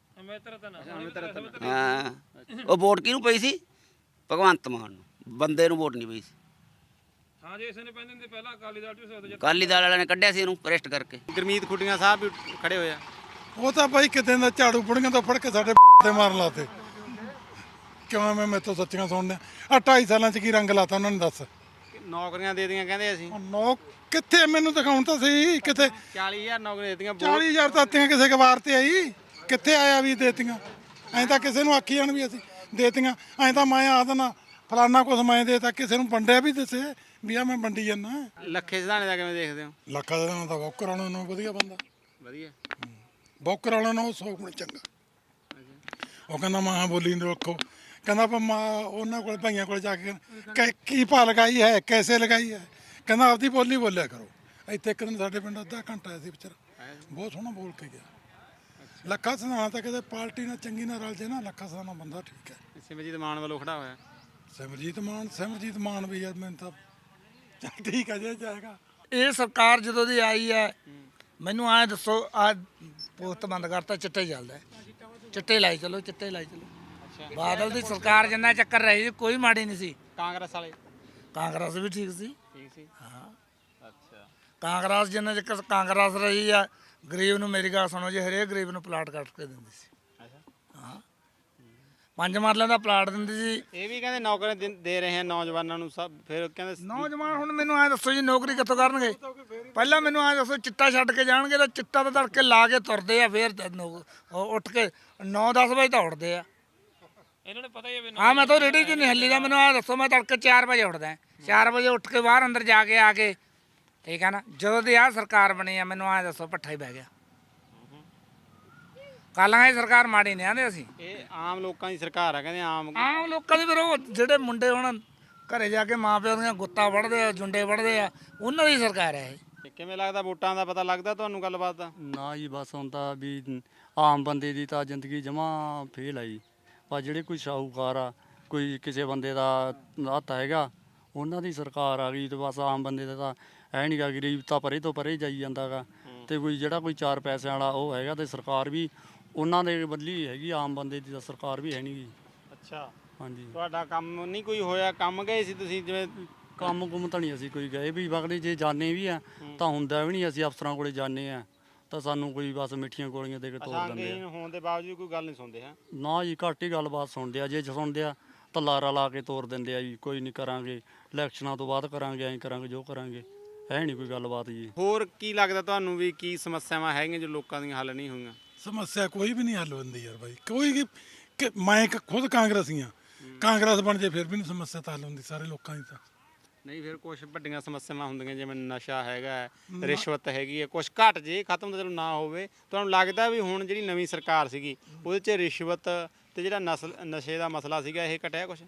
D: ਹਾਂ ਉਹ ਵੋਟ ਕਿਹਨੂੰ ਪਈ ਸੀ? ਭਗਵੰਤ ਮਾਨ ਨੂੰ, ਬੰਦੇ ਨੂੰ ਵੋਟ ਨਹੀਂ ਪਈ ਸੀ।
E: ਹਾਂ ਜੇ ਇਸੇ ਨੇ ਪੈਂਦੇ ਹੁੰਦੇ ਪਹਿਲਾਂ ਅਕਾਲੀ ਦਲ ਚ
D: ਅਕਾਲੀ ਦਲ ਵਾਲਿਆਂ ਨੇ ਕੱਢਿਆ ਸੀ ਇਹਨੂੰ ਭ੍ਰਿਸ਼ਟ ਕਰਕੇ।
B: ਗੁਰਮੀਤ ਖੁੱਡੀਆਂ ਸਾਹਿਬ ਵੀ ਖੜੇ ਹੋਏ ਆ।
A: ਉਹ ਤਾਂ ਬਾਈ ਕਿਤੇ ਦਾ ਝਾੜੂ ਬੁੜੀਆਂ ਤੋਂ ਫੜ ਕੇ ਸਾਡੇ ਤੇ ਮਾਰਨ ਲਾਤੇ। ਕਿਉਂ ਮੈਂ ਮੈਥੋਂ ਸੱਚੀਆਂ ਸੁਣਦੇ ਆ 2.5 ਸਾਲਾਂ 'ਚ ਕੀ ਰੰਗ ਲਾਤਾ ਉਹਨਾਂ ਨੇ ਦੱਸ।
B: ਨੌਕਰੀਆਂ ਦੇ ਦੀਆਂ ਕਹਿੰਦੇ ਅਸੀਂ।
A: ਨੌ ਕਿੱਥੇ ਮੈਨੂੰ ਦਿਖਾਉਣ ਤਾਂ ਸਹੀ ਕਿਤੇ
B: 40,000 ਨੌਕਰੀਆਂ ਦੇ ਦੀਆਂ।
A: 40,000 ਤਾਂ ਤੀਆਂ ਕਿਸੇ ਕਵਾਰ ਤੇ ਆਈ ਕਿੱਥੇ ਆਇਆ ਵੀ ਦੇਤੀਆਂ। ਐਂ ਤਾਂ ਕਿਸੇ ਨੂੰ ਆਖੀ ਜਾਣ ਵੀ ਅਸੀਂ ਦੇਤੀਆਂ। ਐਂ ਤਾਂ ਮੈਂ ਆ ਦੇਣਾ ਫਲਾਨਾ ਕੁਛ ਮੈਂ ਦੇਤਾ, ਕਿਸੇ ਨੂੰ ਵੰਡਿਆ ਵੀ ਦੱਸੇ ਵੀ ਆ ਮੈਂ ਵੰਡੀ ਜਾਂਦਾ।
B: ਲੱਖੇ ਸਿਧਾਣੇ ਦਾ ਕਿਵੇਂ ਦੇਖਦੇ ਹੋ?
A: ਲੱਖਾਂ ਦਾ ਤਾਂ ਬੌਕਰ ਵਾਲਾ ਨੂੰ ਵਧੀਆ ਬੰਦਾ,
B: ਵਧੀਆ।
A: ਬੌਕਰ ਵਾਲਾ ਨੂੰ 100 ਗੁਣ ਚੰਗਾ। ਉਹ ਕਹਿੰਦਾ ਮਾਂ ਬੋਲੀ ਨੂੰ ਰੱਖੋ, ਕਹਿੰਦਾ ਆਪਾਂ ਮਾਂ ਉਹਨਾਂ ਕੋਲ ਭਾਈਆਂ ਕੋਲ ਜਾ ਕੇ ਕੀ ਭਾ ਲਗਾਈ ਹੈ, ਕੈਸੇ ਲਗਾਈ ਹੈ, ਕਹਿੰਦਾ ਆਪਦੀ ਬੋਲੀ ਬੋਲਿਆ ਕਰੋ। ਇੱਥੇ ਇੱਕ ਦਿਨ ਸਾਡੇ ਪਿੰਡ ਅੱਧਾ ਘੰਟਾ ਆਇਆ ਸੀ ਵਿਚਾਰਾ, ਬਹੁਤ ਸੋਹਣਾ ਬੋਲ ਕੇ ਗਿਆ। ਲੱਖਾ ਸਿਧਾਣਾ ਤਾਂ ਕਿਤੇ ਪਾਰਟੀ ਨਾਲ ਚੰਗੀ ਨਾਲ ਰਲ ਜੇ ਨਾ, ਲੱਖਾ ਸਿਧਾਣਾ ਬੰਦਾ ਠੀਕ ਹੈ।
B: ਸਿਮਰਜੀਤ ਮਾਨ ਵੱਲੋਂ ਖੜਾ ਹੋਇਆ।
A: ਸਿਮਰਜੀਤ ਮਾਨ ਵੀ ਯਾਰ ਮੈਨੂੰ ਤਾਂ ਚੱਲ ਠੀਕ ਹੈ ਜੇ ਜਾਏਗਾ।
C: ਇਹ ਸਰਕਾਰ ਜਦੋਂ ਦੀ ਆਈ ਹੈ ਮੈਨੂੰ ਐਂ ਦੱਸੋ ਆ ਪੋਸਟ ਬੰਦ ਕਰਤਾ, ਚਿੱਟੇ ਚੱਲਦਾ ਹੈ। ਚਿੱਟੇ ਲਾਈ ਚਲੋ, ਚਿੱਟੇ ਲਾਈ ਚਲੋ। ਬਾਦਲ ਦੀ ਸਰਕਾਰ ਜਿੰਨਾ ਚੱਕਰ ਰਹੀ ਸੀ ਕੋਈ ਮਾੜੀ ਨਹੀਂ ਸੀ।
B: ਕਾਂਗਰਸ ਵਾਲੇ
C: ਕਾਂਗਰਸ ਵੀ ਠੀਕ ਸੀ।
B: ਠੀਕ ਸੀ।
C: ਹਾਂ
B: ਅੱਛਾ।
C: ਕਾਂਗਰਸ ਜਿੰਨਾ ਚੱਕਰ ਕਾਂਗਰਸ ਰਹੀ ਆ, ਗਰੀਬ ਨੂੰ ਮੇਰੀ ਗੱਲ ਸੁਣੋ ਜੀ, ਹਰੇਕ ਗਰੀਬ ਨੂੰ ਪਲਾਟ ਕੱਟ ਕੇ ਦਿੰਦੀ ਸੀ। ਹਾਂ 5 ਮਰਲਿਆਂ ਦਾ ਪਲਾਟ ਦਿੰਦੀ ਸੀ।
B: ਇਹ ਵੀ ਕਹਿੰਦੇ ਨੌਕਰੀਆਂ ਦੇ ਰਹੇ ਆ ਨੌਜਵਾਨਾਂ ਨੂੰ ਸਭ। ਫਿਰ ਕਹਿੰਦੇ
C: ਨੌਜਵਾਨ ਹੁਣ ਮੈਨੂੰ ਐ ਦੱਸੋ ਜੀ ਨੌਕਰੀ ਕਿੱਥੋਂ ਕਰਨਗੇ? ਪਹਿਲਾਂ ਮੈਨੂੰ ਐ ਦੱਸੋ ਚਿੱਟਾ ਛੱਡ ਕੇ ਜਾਣਗੇ ਤਾਂ ਚਿੱਟਾ ਤਾਂ ਤੜਕੇ ਲਾ ਕੇ ਤੁਰਦੇ ਆ, ਫਿਰ ਉੱਠ ਕੇ 9-10 ਵਜੇ ਤਾਂ ਉੱਠਦੇ ਆ।
E: ਇਹਨਾਂ ਨੂੰ ਪਤਾ ਹੀ ਹੈ।
C: ਹਾਂ ਮੈਂ ਤਾਂ ਰੇੜੀ 'ਚ ਨਹੀਂ ਹੱਲੀ ਦਾ। ਮੈਨੂੰ ਐ ਦੱਸੋ ਮੈਂ ਤੜਕੇ 4 ਵਜੇ ਉੱਠਦਾ, 4 ਵਜੇ ਉੱਠ ਕੇ ਬਾਹਰ ਅੰਦਰ ਜਾ ਕੇ ਆ ਕੇ, ਠੀਕ ਹੈ ਨਾ, ਜਦੋਂ ਦੀ ਆਹ ਸਰਕਾਰ ਬਣੀ ਆ ਮੈਨੂੰ ਐ ਦੱਸੋ ਭੱਠਾ ਹੀ ਬਹਿ ਗਿਆ। ਕਾਲਾਂ ਇਹ ਸਰਕਾਰ ਮਾੜੀ ਨਹੀਂ ਆਂਦੇ ਅਸੀਂ।
B: ਇਹ ਆਮ ਲੋਕਾਂ ਦੀ ਸਰਕਾਰ ਆ ਕਹਿੰਦੇ। ਆਮ
C: ਲੋਕਾਂ ਦੇ ਫਿਰ ਉਹ ਜਿਹੜੇ ਮੁੰਡੇ ਹੁਣ ਘਰੇ ਜਾ ਕੇ ਮਾਂ ਪਿਓ ਦੀਆਂ ਗੁੱਤਾਂ ਵੜਦੇ ਆ, ਜੁੰਡੇ ਵੜਦੇ ਆ, ਉਹਨਾਂ ਦੀ ਸਰਕਾਰ ਹੈ ਇਹ।
B: ਕਿਵੇਂ ਲੱਗਦਾ ਵੋਟਾਂ ਦਾ ਪਤਾ ਲੱਗਦਾ ਤੁਹਾਨੂੰ ਗੱਲਬਾਤ ਦਾ?
I: ਨਾ ਜੀ ਬਸ ਹੁਣ ਤਾਂ ਵੀ ਆਮ ਬੰਦੇ ਦੀ ਤਾਂ ਜ਼ਿੰਦਗੀ ਜਮਾ ਫੇਲ ਆ ਜੀ। ਪਰ ਜਿਹੜੇ ਕੋਈ ਸ਼ਾਹੂਕਾਰ ਆ, ਕੋਈ ਕਿਸੇ ਬੰਦੇ ਦਾ ਹੱਥ ਹੈਗਾ, ਉਹਨਾਂ ਦੀ ਸਰਕਾਰ ਆ ਗਈ ਤੇ ਬਸ ਆਮ ਬੰਦੇ ਦਾ ਤਾਂ ਹੈ ਨਹੀਂ ਗਾ। ਗਰੀਬ ਤਾਂ ਪਰੇ ਤੋਂ ਪਰੇ ਜਾਈ ਜਾਂਦਾ ਗਾ। ਤੇ ਕੋਈ ਜਿਹੜਾ ਕੋਈ 4 ਪੈਸਿਆਂ ਵਾਲਾ ਉਹ ਹੈਗਾ ਤੇ ਸਰਕਾਰ ਵੀ ਉਹਨਾਂ ਦੇ ਬਦਲੀ ਹੈਗੀ। ਆਮ ਬੰਦੇ ਦੀ ਤਾਂ ਸਰਕਾਰ ਵੀ ਹੈ ਨਹੀਂ ਗੀ।
B: ਅੱਛਾ।
I: ਹਾਂਜੀ।
B: ਤੁਹਾਡਾ ਕੰਮ ਨਹੀਂ ਕੋਈ ਹੋਇਆ? ਕੰਮ ਗਏ ਸੀ ਤੁਸੀਂ ਜਿਵੇਂ?
I: ਕੰਮ ਕੁੰਮ ਤਾਂ ਨਹੀਂ ਅਸੀਂ ਕੋਈ ਗਏ ਵੀ ਵਗਦੇ, ਜੇ ਜਾਣੇ ਵੀ ਆ ਤਾਂ ਹੁੰਦਾ ਵੀ ਨਹੀਂ। ਅਸੀਂ ਅਫਸਰਾਂ ਕੋਲੇ ਜਾਣੇ ਆ ਤਾਂ ਸਾਨੂੰ ਕੋਈ ਬਸ ਮਿੱਠੀਆਂ ਗੋਲੀਆਂ ਦੇ ਕੇ ਤੋੜ ਦਿੰਦੇ ਆ।
B: ਹੋਣ ਦੇ ਬਾਵਜੂਦ ਕੋਈ ਗੱਲ ਨਹੀਂ ਸੁਣਦੇ ਹੈ?
I: ਨਾ ਜੀ ਘੱਟ ਹੀ ਗੱਲਬਾਤ ਸੁਣਦੇ ਆ। ਜੇ ਸੁਣਦੇ ਆ ਤਾਂ ਲਾਰਾ ਲਾ ਕੇ ਤੋੜ ਦਿੰਦੇ ਆ ਜੀ। ਕੋਈ ਨਹੀਂ ਕਰਾਂਗੇ, ਇਲੈਕਸ਼ਨਾਂ ਤੋਂ ਬਾਅਦ ਕਰਾਂਗੇ, ਐਂ ਕਰਾਂਗੇ, ਜੋ ਕਰਾਂਗੇ। ਹੈ ਨਹੀਂ ਕੋਈ ਗੱਲਬਾਤ ਜੀ।
B: ਹੋਰ ਕੀ ਲੱਗਦਾ ਤੁਹਾਨੂੰ ਵੀ ਕੀ ਸਮੱਸਿਆਵਾਂ ਹੈਗੀਆਂ ਜੋ ਲੋਕਾਂ ਦੀਆਂ ਹੱਲ ਨਹੀਂ ਹੋਈਆਂ?
A: ਸਮੱਸਿਆ ਕੋਈ ਵੀ ਨਹੀਂ ਹੱਲ ਹੁੰਦੀ ਯਾਰ ਬਾਈ। ਕੋਈ ਮੈਂ ਖੁਦ ਕਾਂਗਰਸੀ ਹਾਂ, ਕਾਂਗਰਸ ਬਣ ਜੇ ਫਿਰ ਵੀ ਨਹੀਂ ਸਮੱਸਿਆ ਤਾਂ ਹੱਲ ਹੁੰਦੀ ਸਾਰੇ ਲੋਕਾਂ ਦੀ ਤਾਂ।
B: ਨਹੀਂ ਫਿਰ ਕੁਝ ਵੱਡੀਆਂ ਸਮੱਸਿਆਵਾਂ ਹੁੰਦੀਆਂ ਜਿਵੇਂ ਨਸ਼ਾ ਹੈਗਾ, ਰਿਸ਼ਵਤ ਹੈਗੀ ਹੈ, ਕੁਝ ਘਟ ਜੇ ਖਤਮ ਤਾਂ ਚਲੋ ਨਾ ਹੋਵੇ। ਤੁਹਾਨੂੰ ਲੱਗਦਾ ਵੀ ਹੁਣ ਜਿਹੜੀ ਨਵੀਂ ਸਰਕਾਰ ਸੀਗੀ ਉਹਦੇ 'ਚ ਰਿਸ਼ਵਤ ਤੇ ਜਿਹੜਾ ਨਸ਼ੇ ਦਾ ਮਸਲਾ ਸੀਗਾ ਇਹ ਘਟਿਆ ਕੁਝ?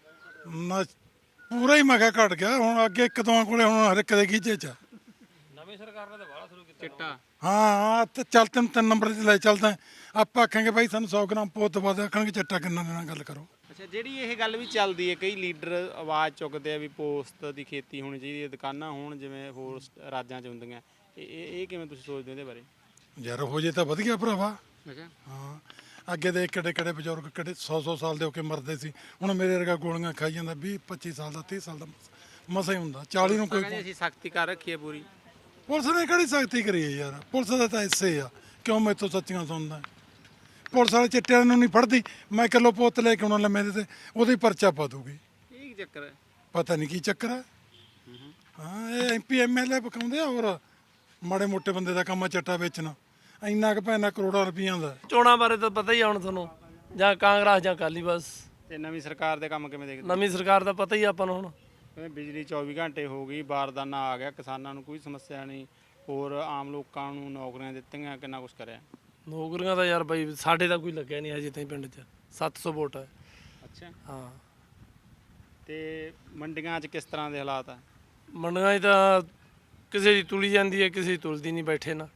A: ਪੂਰਾ ਹੀ ਮੈਂ ਕਿਹਾ ਘਟ ਗਿਆ। ਹੁਣ ਅੱਗੇ ਇੱਕ ਦੋ ਕੋਲੇ ਹੁਣ ਹਰ ਇੱਕ ਦੇ ਗੀਜੇ 'ਚ
E: ਨਵੀਂ ਸਰਕਾਰ ਨੇ ਤਾਂ ਬਾਹਲਾ ਸ਼ੁਰੂ ਕੀਤਾ
B: ਚਿੱਟਾ।
A: ਹਾਂ ਤੇ ਚੱਲ 3 ਨੰਬਰ ਤੇ ਲੈ ਚੱਲਦਾ। ਆਪਾਂ ਆਖਾਂਗੇ ਬਾਈ ਸਾਨੂੰ 100 ਗ੍ਰਾਮ ਪੁੱਤ ਬਾਦ ਆਖਣਗੇ ਚੱਟਾ ਕਿੰਨਾ ਦੇਣਾ, ਗੱਲ ਕਰੋ।
B: ਅੱਛਾ, ਜਿਹੜੀ ਇਹ ਗੱਲ ਵੀ ਚੱਲਦੀ ਹੈ, ਕਈ ਲੀਡਰ ਆਵਾਜ਼ ਚੁੱਕਦੇ ਆ ਵੀ ਪੋਸਤ ਦੀ ਖੇਤੀ ਹੋਣੀ ਚਾਹੀਦੀ ਹੈ, ਦੁਕਾਨਾਂ ਹੋਣ ਜਿਵੇਂ ਹੋਰ ਰਾਜਾਂ 'ਚ ਹੁੰਦੀਆਂ। ਇਹ ਕਿਵੇਂ ਤੁਸੀਂ ਸੋਚਦੇ ਹੋ ਇਹਦੇ ਬਾਰੇ?
A: ਯਾਰ ਹੋ ਜੇ ਤਾਂ ਵਧੀਆ ਭਰਾਵਾ।
B: ਅੱਛਾ।
A: ਹਾਂ ਅੱਗੇ ਦੇ ਕਿਹੜੇ ਬਜ਼ੁਰਗ ਕਿਹੜੇ 100 ਸਾਲ ਦੇ ਹੋ ਕੇ ਮਰਦੇ ਸੀ। ਹੁਣ ਮੇਰੇ ਵਰਗਾ ਗੋਲੀਆਂ ਖਾਈ ਜਾਂਦਾ 20-25 ਸਾਲ ਦਾ, 30 ਸਾਲ ਦਾ ਮਸਾ ਹੀ ਹੁੰਦਾ। 40 ਨੂੰ ਕੋਈ
B: ਕਹਿੰਦੇ ਅਸੀਂ ਸਖਤੀ ਕਰ ਰੱਖੀ ਹੈ ਪੂਰੀ।
A: ਪੁਲਿਸ ਨੇ ਕਿਹੜੀ ਸਖਤੀ ਕਰੀ ਹੈ ਯਾਰ? ਪੁਲਿਸ ਦਾ ਤਾਂ ਹਿੱਸੇ ਆ। ਕਿਉਂ ਮੈਥੋਂ ਸੱਚੀਆਂ ਸੁਣਦਾ? ਪੁਲਿਸ ਵਾਲੇ ਚਿੱਟਿਆਂ ਨੂੰ ਨਹੀਂ ਫੜਦੀ। ਮੈਂ ਕਿਲੋ ਪੁੱਤ ਲੈ ਕੇ ਆਉਣਾ ਲੰਮੇ ਦੇ ਤੇ ਉਹਦੀ ਪਰਚਾ ਪਾ ਦੂਗੀ।
B: ਇਹ ਕੀ ਚੱਕਰ ਹੈ?
A: ਪਤਾ ਨਹੀਂ ਕੀ ਚੱਕਰ ਹੈ। ਹਾਂ ਇਹ MP MLA ਪਕਾਉਂਦੇ ਆ, ਹੋਰ ਮਾੜੇ ਮੋਟੇ ਬੰਦੇ ਦਾ ਕੰਮ ਆ ਚੱਟਾ ਵੇਚਣਾ। ਇੰਨਾ ਕੁ ਪੈਣਾ ਕਰੋੜਾਂ ਰੁਪਈਆਂ ਦਾ।
G: ਚੋਣਾਂ ਬਾਰੇ ਤਾਂ ਪਤਾ ਹੀ ਆ ਹੁਣ ਤੁਹਾਨੂੰ, ਜਾਂ ਕਾਂਗਰਸ ਜਾਂ ਅਕਾਲੀ। ਬਸ
B: ਤੇ ਨਵੀਂ ਸਰਕਾਰ ਦੇ ਕੰਮ ਕਿਵੇਂ ਦੇਖਦੇ?
G: ਨਵੀਂ ਸਰਕਾਰ ਦਾ ਪਤਾ ਹੀ ਆ ਆਪਾਂ ਨੂੰ ਹੁਣ।
B: ਬਿਜਲੀ 24 ਘੰਟੇ ਹੋ ਗਈ, ਬਾਰਦਾਨਾ ਆ ਗਿਆ, ਕਿਸਾਨਾਂ ਨੂੰ ਕੋਈ ਸਮੱਸਿਆ ਨਹੀਂ, ਹੋਰ ਆਮ ਲੋਕਾਂ ਨੂੰ ਨੌਕਰੀਆਂ ਦਿੱਤੀਆਂ, ਕਿੰਨਾ ਕੁਛ ਕਰਿਆ।
G: ਨੌਕਰੀਆਂ ਤਾਂ ਯਾਰ ਬਾਈ ਸਾਡੇ ਤਾਂ ਕੋਈ ਲੱਗਿਆ ਨਹੀਂ ਹਜੇ ਤਾਈਂ ਪਿੰਡ 'ਚ 700 ਵੋਟ ਹੈ।
B: ਅੱਛਾ
G: ਹਾਂ
B: ਤੇ ਮੰਡੀਆਂ 'ਚ ਕਿਸ ਤਰ੍ਹਾਂ ਦੇ ਹਾਲਾਤ ਆ?
G: ਮੰਡੀਆਂ 'ਚ ਤਾਂ ਕਿਸੇ ਦੀ ਤੁਲੀ ਜਾਂਦੀ ਹੈ, ਕਿਸੇ ਦੀ ਤੁਲਦੀ ਨਹੀਂ, ਬੈਠੇ ਨਾ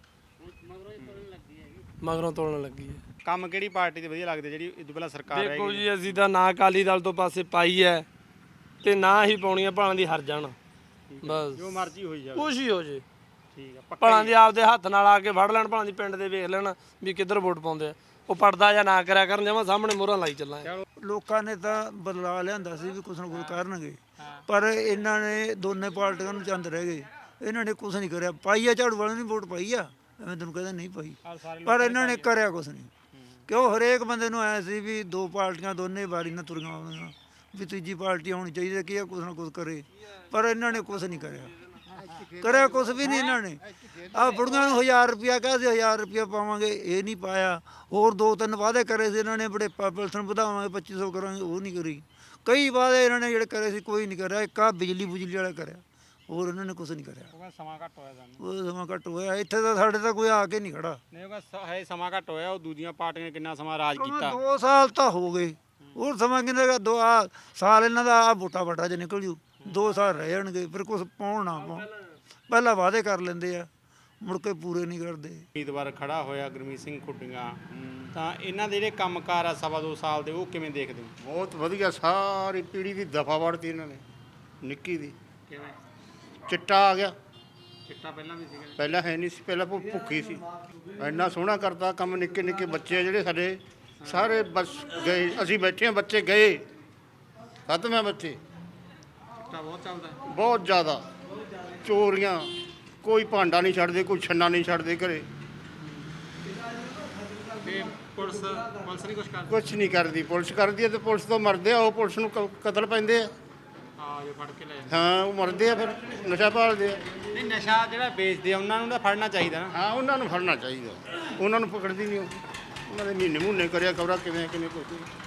G: ਮਗਰੋਂ ਤੋਲਣ ਲੱਗੀ ਹੈ।
B: ਕੰਮ ਕਿਹੜੀ ਪਾਰਟੀ ਦੇ ਵਧੀਆ ਲੱਗਦੇ ਜਿਹੜੀ ਇਹ ਤੋਂ ਪਹਿਲਾਂ ਸਰਕਾਰ
G: ਦੇਖੋ
B: ਹੈਗੀ?
G: ਜੀ ਅਸੀਂ ਤਾਂ ਨਾ ਅਕਾਲੀ ਦਲ ਤੋਂ ਪਾਸੇ ਪਾਈ ਹੈ ਤੇ ਨਾ ਹੀ ਪਾਉਣੀਆਂ, ਭਾਲਾਂ ਦੀ ਹਰ ਜਾਣ ਬਸ
B: ਜੋ ਮਰਜ਼ੀ ਹੋਈ ਜਾਵੇ।
G: ਕੁਛ ਹੀ ਹੋ ਜੇ,
B: ਠੀਕ ਆ, ਪੱਕਾ
G: ਭਾਲਾਂ ਦੀ ਆਪਦੇ ਹੱਥ ਨਾਲ ਆ ਕੇ ਫੜ ਲੈਣ, ਭਾਲਾਂ ਦੀ ਪਿੰਡ ਦੇ ਵੇਖ ਲੈਣ ਵੀ ਕਿੱਧਰ ਵੋਟ ਪਾਉਂਦੇ ਆ। ਉਹ ਪੜਦਾ ਜਾਂ ਨਾ ਕਰਿਆ ਕਰਨ, ਜਮਾਂ ਸਾਹਮਣੇ ਮੋਹਰਾਂ ਲਾਈ ਚੱਲਾਂਗੇ।
H: ਲੋਕਾਂ ਨੇ ਤਾਂ ਬਦਲਾ ਲਿਆਂਦਾ ਸੀ ਵੀ ਕੁਛ ਨਾ ਕੁਛ ਕਰਨਗੇ, ਪਰ ਇਹਨਾਂ ਨੇ ਦੋਨੇ ਪਾਰਟੀਆਂ ਨੂੰ ਚੰਦ ਰਹਿ ਗਏ। ਇਹਨਾਂ ਨੇ ਕੁਛ ਨਹੀਂ ਕਰਿਆ। ਪਾਈ ਆ ਝਾੜੂ ਵਾਲਿਆਂ ਨੇ ਵੋਟ ਪਾਈ ਆ, ਮੈਂ ਤੈਨੂੰ ਕਹਿੰਦਾ ਨਹੀਂ ਪਾਈ, ਪਰ ਇਹਨਾਂ ਨੇ ਕਰਿਆ ਕੁਛ ਨਹੀਂ। ਕਿਉਂ ਹਰੇਕ ਬੰਦੇ ਨੂੰ ਆਇਆ ਸੀ ਵੀ ਦੋ ਪਾਰਟੀਆਂ ਦੋਨੇ ਵਾਰੀ ਨਾਲ ਤੁਰੀਆਂ ਆਉਣਗੀਆਂ, ਵੀ ਤੀਜੀ ਪਾਰਟੀ ਹੋਣੀ ਚਾਹੀਦੀ ਹੈ ਕਿ ਇਹ ਕੁਛ ਨਾ ਕੁਛ ਕਰੇ, ਪਰ ਇਹਨਾਂ ਨੇ ਕੁਛ ਨਹੀਂ ਕਰਿਆ ਕੁਛ ਵੀ ਨਹੀਂ ਇਹਨਾਂ ਨੇ। ਆਹ ਬੁੜੀਆਂ ਨੂੰ 1000 ਰੁਪਇਆ ਕਿਹਾ ਸੀ, 1000 ਰੁਪਇਆ ਪਾਵਾਂਗੇ, ਇਹ ਨਹੀਂ ਪਾਇਆ। ਹੋਰ 2-3 ਵਾਅਦੇ ਕਰੇ ਸੀ ਇਹਨਾਂ ਨੇ, ਬੜੇ ਪੈਨਸ਼ਨ ਵਧਾਵਾਂਗੇ, 2500 ਕਰਾਂਗੇ, ਉਹ ਨਹੀਂ ਕਰੀ। ਕਈ ਵਾਅਦੇ ਇਹਨਾਂ ਨੇ ਜਿਹੜੇ ਕਰੇ ਸੀ ਕੋਈ ਨਹੀਂ ਕਰਿਆ। ਇੱਕ ਆਹ ਬਿਜਲੀ ਵਾਲਾ ਕਰਿਆ, ਹੋਰ ਇਹਨਾਂ ਨੇ ਕੁਛ ਨਹੀਂ ਕਰਿਆ।
B: ਸਮਾਂ ਘੱਟ ਹੋਇਆ ਸਾਨੂੰ।
H: ਉਹ ਸਮਾਂ ਘੱਟ ਹੋਇਆ, ਇੱਥੇ ਤਾਂ ਸਾਡੇ ਤਾਂ ਕੋਈ ਆ ਕੇ ਨਹੀਂ ਖੜਾ।
B: ਨਹੀਂ ਉਹ ਹੈ ਸਮਾਂ ਘੱਟ ਹੋਇਆ, ਉਹ ਦੂਜੀਆਂ ਪਾਰਟੀਆਂ ਨੇ ਕਿੰਨਾ ਸਮਾਂ ਰਾਜ ਕੀਤਾ।
H: 2 ਸਾਲ ਤਾਂ ਹੋ ਗਏ, ਹੋਰ ਸਮਾਂ ਕਿੰਨਾ ਗਾ? 2 ਸਾਲ ਇਹਨਾਂ ਦਾ ਆ ਵੋਟਾਂ ਚ ਨਿਕਲ ਜੂ, 2 ਸਾਲ ਰਹਿ ਜਾਣਗੇ, ਫਿਰ ਕੁਛ ਪਾਉਣ ਨਾ ਪਾਉਣ। ਪਹਿਲਾਂ ਵਾਅਦੇ ਕਰ ਲੈਂਦੇ ਆ, ਮੁੜ ਕੇ ਪੂਰੇ ਨਹੀਂ ਕਰਦੇ।
B: ਉਮੀਦਵਾਰ ਖੜਾ ਹੋਇਆ ਗੁਰਮੀਤ ਸਿੰਘ ਖੁੱਡੀਆਂ, ਤਾਂ ਇਹਨਾਂ ਦੇ ਜਿਹੜੇ ਕੰਮਕਾਰ ਆ 2.5 ਸਾਲ ਦੇ, ਉਹ ਕਿਵੇਂ ਦੇਖਦੇ ਹੋ?
J: ਬਹੁਤ ਵਧੀਆ, ਸਾਰੀ ਪੀੜ੍ਹੀ ਦੀ ਦਫਾ ਵੜਤੀ ਇਹਨਾਂ ਨੇ, ਨਿੱਕੀ ਦੀ।
B: ਕਿਵੇਂ?
J: ਚਿੱਟਾ ਆ ਗਿਆ,
B: ਚਿੱਟਾ ਪਹਿਲਾਂ ਵੀ ਸੀਗਾ?
J: ਪਹਿਲਾਂ ਹੈ ਨਹੀਂ ਸੀ, ਪਹਿਲਾਂ ਭੁੱਖੀ ਸੀ। ਇੰਨਾ ਸੋਹਣਾ ਕਰਤਾ ਕੰਮ। ਨਿੱਕੇ ਨਿੱਕੇ ਬੱਚੇ ਆ ਜਿਹੜੇ ਸਾਡੇ, ਸਾਰੇ ਬਸ ਗਏ। ਅਸੀਂ ਬੈਠੇ ਹਾਂ, ਬੱਚੇ ਗਏ, ਖਤਮ ਹੈ ਬੱਚੇ।
B: ਚਿੱਟਾ ਬਹੁਤ ਚੱਲਦਾ ਹੈ।
J: ਬਹੁਤ ਜ਼ਿਆਦਾ ਚੋਰੀਆਂ, ਕੋਈ ਭਾਂਡਾ ਨਹੀਂ ਛੱਡਦੇ, ਕੋਈ ਛੰਨਾ ਨਹੀਂ ਛੱਡਦੇ ਘਰੇ।
B: ਤੇ ਪੁਲਿਸ ਨਹੀਂ ਕੁਛ ਕਰਦੀ?
J: ਕੁਛ ਨਹੀਂ ਕਰਦੀ। ਪੁਲਿਸ ਕਰਦੀ ਹੈ ਤੇ ਪੁਲਿਸ ਤੋਂ ਮਰਦੇ ਆ, ਉਹ ਪੁਲਿਸ ਨੂੰ ਕਤਲ ਪੈਂਦੇ ਆ।
B: ਹਾਂ ਜੋ ਫੜ ਕੇ ਲੈ ਜਾਂਦੇ।
J: ਹਾਂ, ਉਹ ਮਰਦੇ ਆ, ਫਿਰ ਨਸ਼ਾ ਭਾਲਦੇ ਆ।
B: ਨਹੀਂ ਨਸ਼ਾ ਜਿਹੜਾ ਵੇਚਦੇ ਆ ਉਹਨਾਂ ਨੂੰ ਤਾਂ ਫੜਨਾ ਚਾਹੀਦਾ ਨਾ।
J: ਹਾਂ, ਉਹਨਾਂ ਨੂੰ ਫੜਨਾ ਚਾਹੀਦਾ, ਉਹਨਾਂ ਨੂੰ ਪਕੜਦੀ ਨਹੀਂ ਉਹ। ਉਹਨਾਂ ਦੇ ਮਹੀਨੇ ਕਰਿਆ ਖਬਰਾਂ ਕਿਵੇਂ ਕੁਝ।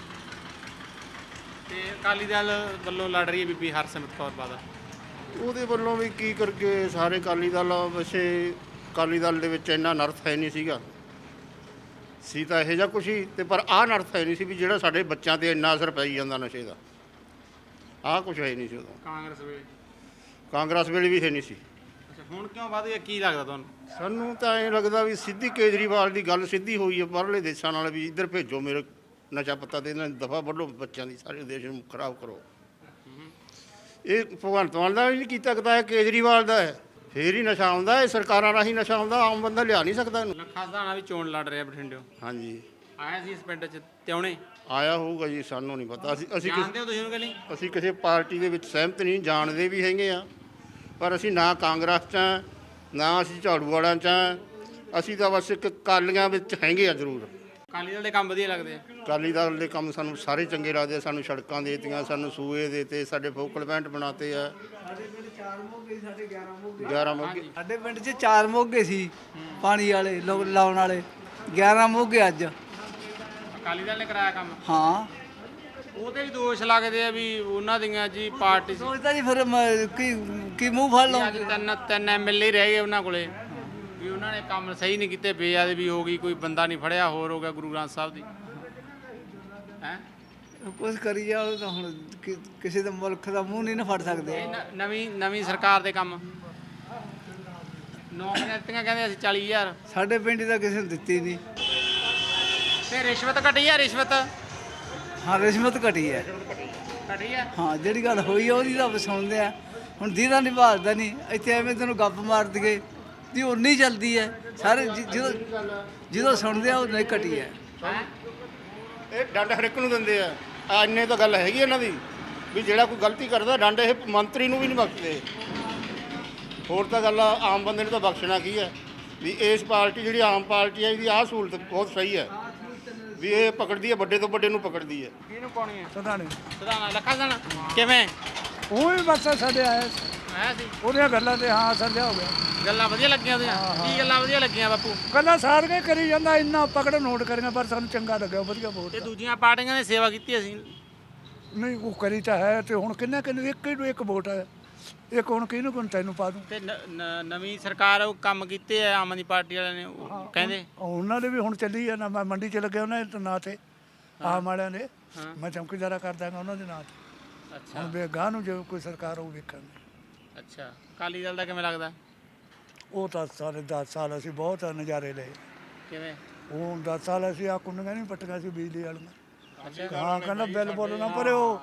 B: ਤੇ ਅਕਾਲੀ ਦਲ ਵੱਲੋਂ ਲੜ ਰਹੀ ਹੈ ਬੀਬੀ ਹਰਸਿਮਰਤ ਕੌਰ ਬਾਦਲ,
J: ਉਹਦੇ ਵੱਲੋਂ ਵੀ ਕੀ ਕਰਕੇ ਸਾਰੇ ਅਕਾਲੀ ਦਲ। ਵੈਸੇ ਅਕਾਲੀ ਦਲ ਦੇ ਵਿੱਚ ਇੰਨਾ ਨਰਥ ਹੈ ਨਹੀਂ ਸੀਗਾ, ਸੀ ਤਾਂ ਇਹੋ ਜਿਹਾ ਕੁਛ ਹੀ, ਤੇ ਪਰ ਆਹ ਨਰਥ ਹੈ ਨਹੀਂ ਸੀ ਵੀ ਜਿਹੜਾ ਸਾਡੇ ਬੱਚਿਆਂ ਤੇ ਇੰਨਾ ਅਸਰ ਪਈ ਜਾਂਦਾ ਨਸ਼ੇ ਦਾ। ਆਹ ਕੁਛ ਹੈ ਨਹੀਂ ਸੀ ਉਦੋਂ। ਕਾਂਗਰਸ ਵੇਲੇ ਵੀ ਹੈ ਨਹੀਂ ਸੀ।
B: ਅੱਛਾ, ਹੁਣ ਕਿਉਂ ਵਧ ਗਿਆ ਕੀ ਲੱਗਦਾ ਤੁਹਾਨੂੰ?
J: ਸਾਨੂੰ ਤਾਂ ਐਂ ਲੱਗਦਾ ਵੀ ਸਿੱਧੀ ਕੇਜਰੀਵਾਲ ਦੀ ਗੱਲ ਸਿੱਧੀ ਹੋਈ ਹੈ ਬਾਹਰਲੇ ਦੇਸ਼ਾਂ ਨਾਲ, ਵੀ ਇੱਧਰ ਭੇਜੋ ਮੇਰੇ ਨਸ਼ਾ ਪੱਤਾ ਤੇ ਇਹਨਾਂ ਦਫਾ ਵੱਢੋ ਬੱਚਿਆਂ ਦੀ, ਸਾਰੇ ਦੇਸ਼ ਨੂੰ ਖਰਾਬ ਕਰੋ। ਇਹ ਭਗਵੰਤ ਮਾਨ ਦਾ ਵੀ ਨਹੀਂ ਕੀਤਾ ਸਕਦਾ, ਇਹ ਕੇਜਰੀਵਾਲ ਦਾ ਹੈ। ਫੇਰ ਹੀ ਨਸ਼ਾ ਆਉਂਦਾ, ਇਹ ਸਰਕਾਰਾਂ ਰਾਹੀਂ ਨਸ਼ਾ ਆਉਂਦਾ, ਆਮ ਬੰਦਾ ਲਿਆ ਨਹੀਂ ਸਕਦਾ ਇਹਨੂੰ।
B: ਲੱਖਾ ਸਧਾਣਾ ਵੀ ਚੋਣ ਲੜ ਰਿਹਾ ਬਠਿੰਡਿਓ,
J: ਹਾਂਜੀ,
B: ਆਇਆ ਸੀ ਇਸ ਪਿੰਡ 'ਚ ਤਿਉਣੇ?
J: ਆਇਆ ਹੋਊਗਾ ਜੀ, ਸਾਨੂੰ ਨਹੀਂ ਪਤਾ। ਅਸੀਂ
B: ਜਾਣਦੇ ਹੋ ਤੁਸੀਂ ਉਹਨੂੰ ਕਿ ਨਹੀਂ?
J: ਅਸੀਂ ਕਿਸੇ ਪਾਰਟੀ ਦੇ ਵਿੱਚ ਸਹਿਮਤ ਨਹੀਂ, ਜਾਣਦੇ ਵੀ ਹੈਗੇ ਆ, ਪਰ ਅਸੀਂ ਨਾ ਕਾਂਗਰਸ 'ਚ ਹਾਂ, ਨਾ ਅਸੀਂ ਝਾੜੂ ਵਾਲਿਆਂ 'ਚ ਹਾਂ। ਅਸੀਂ ਤਾਂ ਬਸ ਇੱਕ ਅਕਾਲੀਆਂ ਵਿੱਚ ਹੈਗੇ ਆ ਜ਼ਰੂਰ।
B: ਅਕਾਲੀ ਦਲ ਦੇ ਕੰਮ ਵਧੀਆ ਲੱਗਦੇ ਆ?
J: ਅਕਾਲੀ ਦਲ ਦੇ ਕੰਮ ਸਾਨੂੰ ਸਾਰੇ ਚੰਗੇ ਲੱਗਦੇ ਆ। ਸਾਨੂੰ ਸੜਕਾਂ ਦੇ ਦਿੱਤੀਆਂ, ਸਾਨੂੰ ਸੂਏ ਦੇ ਤੇ, ਸਾਡੇ ਫੋਕਲ ਪੁਆਇੰਟ ਬਣਾਤੇ ਆ। 11 ਮੋਗੇ
C: ਸਾਡੇ ਪਿੰਡ 'ਚ 4 ਮੋਗੇ ਸੀ ਪਾਣੀ ਵਾਲੇ ਲਾਉਣ ਵਾਲੇ, 11 ਮੋਗੇ ਅੱਜ।
B: ਅਕਾਲੀ ਦਲ ਨੇ ਕਰਾਇਆ ਕੰਮ?
C: ਹਾਂ,
B: ਉਹਦੇ ਵੀ ਦੋਸ਼ ਲੱਗਦੇ ਆ ਵੀ ਉਹਨਾਂ ਦੀਆਂ ਜੀ ਪਾਰਟੀ
C: ਸੋਚਦਾ ਜੀ ਫਿਰ ਕੀ ਮੂੰਹ ਫੜ ਲਓ।
B: ਅੱਜ ਤਿੰਨ ਐਮਐਲਏ ਰਹਿ ਗਏ ਉਹਨਾਂ ਕੋਲੇ, ਵੀ ਉਹਨਾਂ ਨੇ ਕੰਮ ਸਹੀ ਨਹੀਂ ਕੀਤੇ, ਬੇਅਦਬੀ ਵੀ ਹੋ ਗਈ, ਕੋਈ ਬੰਦਾ ਨਹੀਂ ਫੜਿਆ, ਹੋਰ ਹੋ ਗਿਆ ਗੁਰੂ ਗ੍ਰੰਥ ਸਾਹਿਬ ਦੀ ਹੈ।
C: ਕੁਛ ਕਰੀ ਜਾਓ ਤਾਂ ਹੁਣ ਕਿਸੇ ਦੇ ਮੁਲਕ ਦਾ ਮੂੰਹ ਨਹੀਂ ਨਾ ਫੜ ਸਕਦੇ।
B: ਨਵੀਂ ਸਰਕਾਰ ਦੇ ਕੰਮ ਨੌਕਰੀਆਂ ਦਿੱਤੀਆਂ ਕਹਿੰਦੇ ਅਸੀਂ 40,000।
C: ਸਾਡੇ ਪਿੰਡ ਤਾਂ ਕਿਸੇ ਨੂੰ ਦਿੱਤੀ ਨਹੀਂ।
B: ਤੇ ਰਿਸ਼ਵਤ ਘਟੀ ਆ? ਰਿਸ਼ਵਤ
C: ਹਾਂ, ਰਿਸ਼ਵਤ ਘਟੀ ਹੈ।
B: ਘਟੀ ਆ?
C: ਹਾਂ, ਜਿਹੜੀ ਗੱਲ ਹੋਈ ਆ ਉਹਦੀ ਤਾਂ ਸੁਣਦੇ ਆ। ਹੁਣ ਜਿਹਦਾ ਨਹੀਂ ਭਾਲਦਾ ਨਹੀਂ, ਇੱਥੇ ਐਵੇਂ ਤੈਨੂੰ ਗੱਪ ਮਾਰ ਦਈਏ ਜੀ ਉਨੀ ਚੱਲਦੀ ਹੈ। ਸਾਰੇ ਜਦੋਂ ਸੁਣਦੇ ਆ ਉਹ ਨਹੀਂ ਘਟੀ ਹੈ।
J: ਇਹ ਡੰਡ ਹਰ ਇੱਕ ਨੂੰ ਦਿੰਦੇ ਆ। ਇੰਨੇ ਤਾਂ ਗੱਲ ਹੈਗੀ ਇਹਨਾਂ ਦੀ ਵੀ ਜਿਹੜਾ ਕੋਈ ਗਲਤੀ ਕਰਦਾ ਡੰਡ ਇਹ ਮੰਤਰੀ ਨੂੰ ਵੀ ਨਹੀਂ ਬਖਸ਼ਦੇ। ਹੋਰ ਤਾਂ ਗੱਲ ਆਮ ਬੰਦੇ ਨੂੰ ਤਾਂ ਬਖਸ਼ਣਾ ਕੀ ਹੈ। ਵੀ ਇਸ ਪਾਰਟੀ ਜਿਹੜੀ ਆਮ ਪਾਰਟੀ ਹੈ, ਇਹਦੀ ਆਹ ਸਹੂਲਤ ਬਹੁਤ ਸਹੀ ਹੈ ਵੀ ਇਹ ਪਕੜਦੀ ਹੈ, ਵੱਡੇ ਤੋਂ ਵੱਡੇ ਨੂੰ ਪਕੜਦੀ ਹੈ।
B: ਕਿਹਨੂੰ ਪਾਉਣੀ ਹੈ?
H: ਸਦਾਣੇ
B: ਸਧਾਣਾ ਲੱਖਾ ਸਧਾਣਾ ਕਿਵੇਂ
H: ਉਹ ਵੀ ਬਸ ਸਾਡੇ ਆਇਆ
B: ਆਇਆ ਸੀ?
H: ਉਹਦੀਆਂ ਗੱਲਾਂ ਤੇ ਹਾਂ ਸੱਜਾ ਹੋ ਗਿਆ।
B: ਗੱਲਾਂ ਵਧੀਆ ਲੱਗੀਆਂ ਉਹਦੀਆਂ? ਕੀ ਗੱਲਾਂ ਵਧੀਆ ਲੱਗੀਆਂ ਬਾਪੂ?
H: ਗੱਲਾਂ ਸਾਰੀਆਂ ਕਰੀ ਜਾਂਦਾ, ਇੰਨਾ ਪਕੜ ਨੋਟ ਕਰੀਆਂ, ਪਰ ਸਾਨੂੰ ਚੰਗਾ ਲੱਗਿਆ, ਵਧੀਆ ਬਹੁਤ।
B: ਤੇ ਦੂਜੀਆਂ ਪਾਰਟੀਆਂ ਨੇ ਸੇਵਾ ਕੀਤੀ ਅਸੀਂ?
H: ਨਹੀਂ ਉਹ ਕਰੀ ਤਾਂ ਹੈ, ਤੇ ਹੁਣ ਕਿੰਨੇ ਇੱਕ ਨੂੰ ਇੱਕ ਵੋਟ ਹੈ। ਇਹ ਕੌਣ ਕਿਹਨੂੰ ਕੋਣ ਤੈਨੂੰ ਪਾ ਦੂੰ।
B: ਤੇ ਨਵੀਂ ਸਰਕਾਰ ਉਹ ਕੰਮ ਕੀਤੇ ਆ ਆਮ ਆਦਮੀ ਪਾਰਟੀ ਵਾਲਿਆਂ ਨੇ ਉਹ ਕਹਿੰਦੇ
H: ਉਹਨਾਂ ਦੇ ਵੀ ਹੁਣ ਚੱਲੀ ਆ ਨਾ, ਮੈਂ ਮੰਡੀ 'ਚ ਲੱਗਿਆ ਉਹਨਾਂ ਦੇ ਨਾਂ ਤੇ ਆਮ ਵਾਲਿਆਂ ਦੇ, ਮੈਂ ਚੌਕੀਦਾਰਾ ਕਰ ਦਾਂਗਾ ਉਹਨਾਂ ਦੇ ਨਾਂ ਤੇ।
B: ਅੱਛਾ
H: ਹੁਣ ਵੀ ਗਾਹ ਨੂੰ ਜੇ ਕੋਈ ਸਰਕਾਰ ਉਹ ਵੇਖਾਂਗੇ।
B: ਅੱਛਾ ਅਕਾਲੀ ਦਲ ਦਾ ਕਿਵੇਂ ਲੱਗਦਾ?
H: ਉਹ ਤਾਂ ਸਾਰੇ 10 ਸਾਲ ਅਸੀਂ ਬਹੁਤ ਨਜ਼ਾਰੇ ਲਏ।
B: ਕਿਵੇਂ?
H: ਉਹ 10 ਸਾਲ ਅਸੀਂ ਆ ਕੁੰਡੀਆਂ ਨਹੀਂ ਪੱਟੀਆਂ ਸੀ ਬਿਜਲੀ ਵਾਲੀਆਂ। ਹਾਂ ਕਹਿੰਦਾ ਬਿੱਲ ਬੋਲਣਾ ਪਰ ਉਹ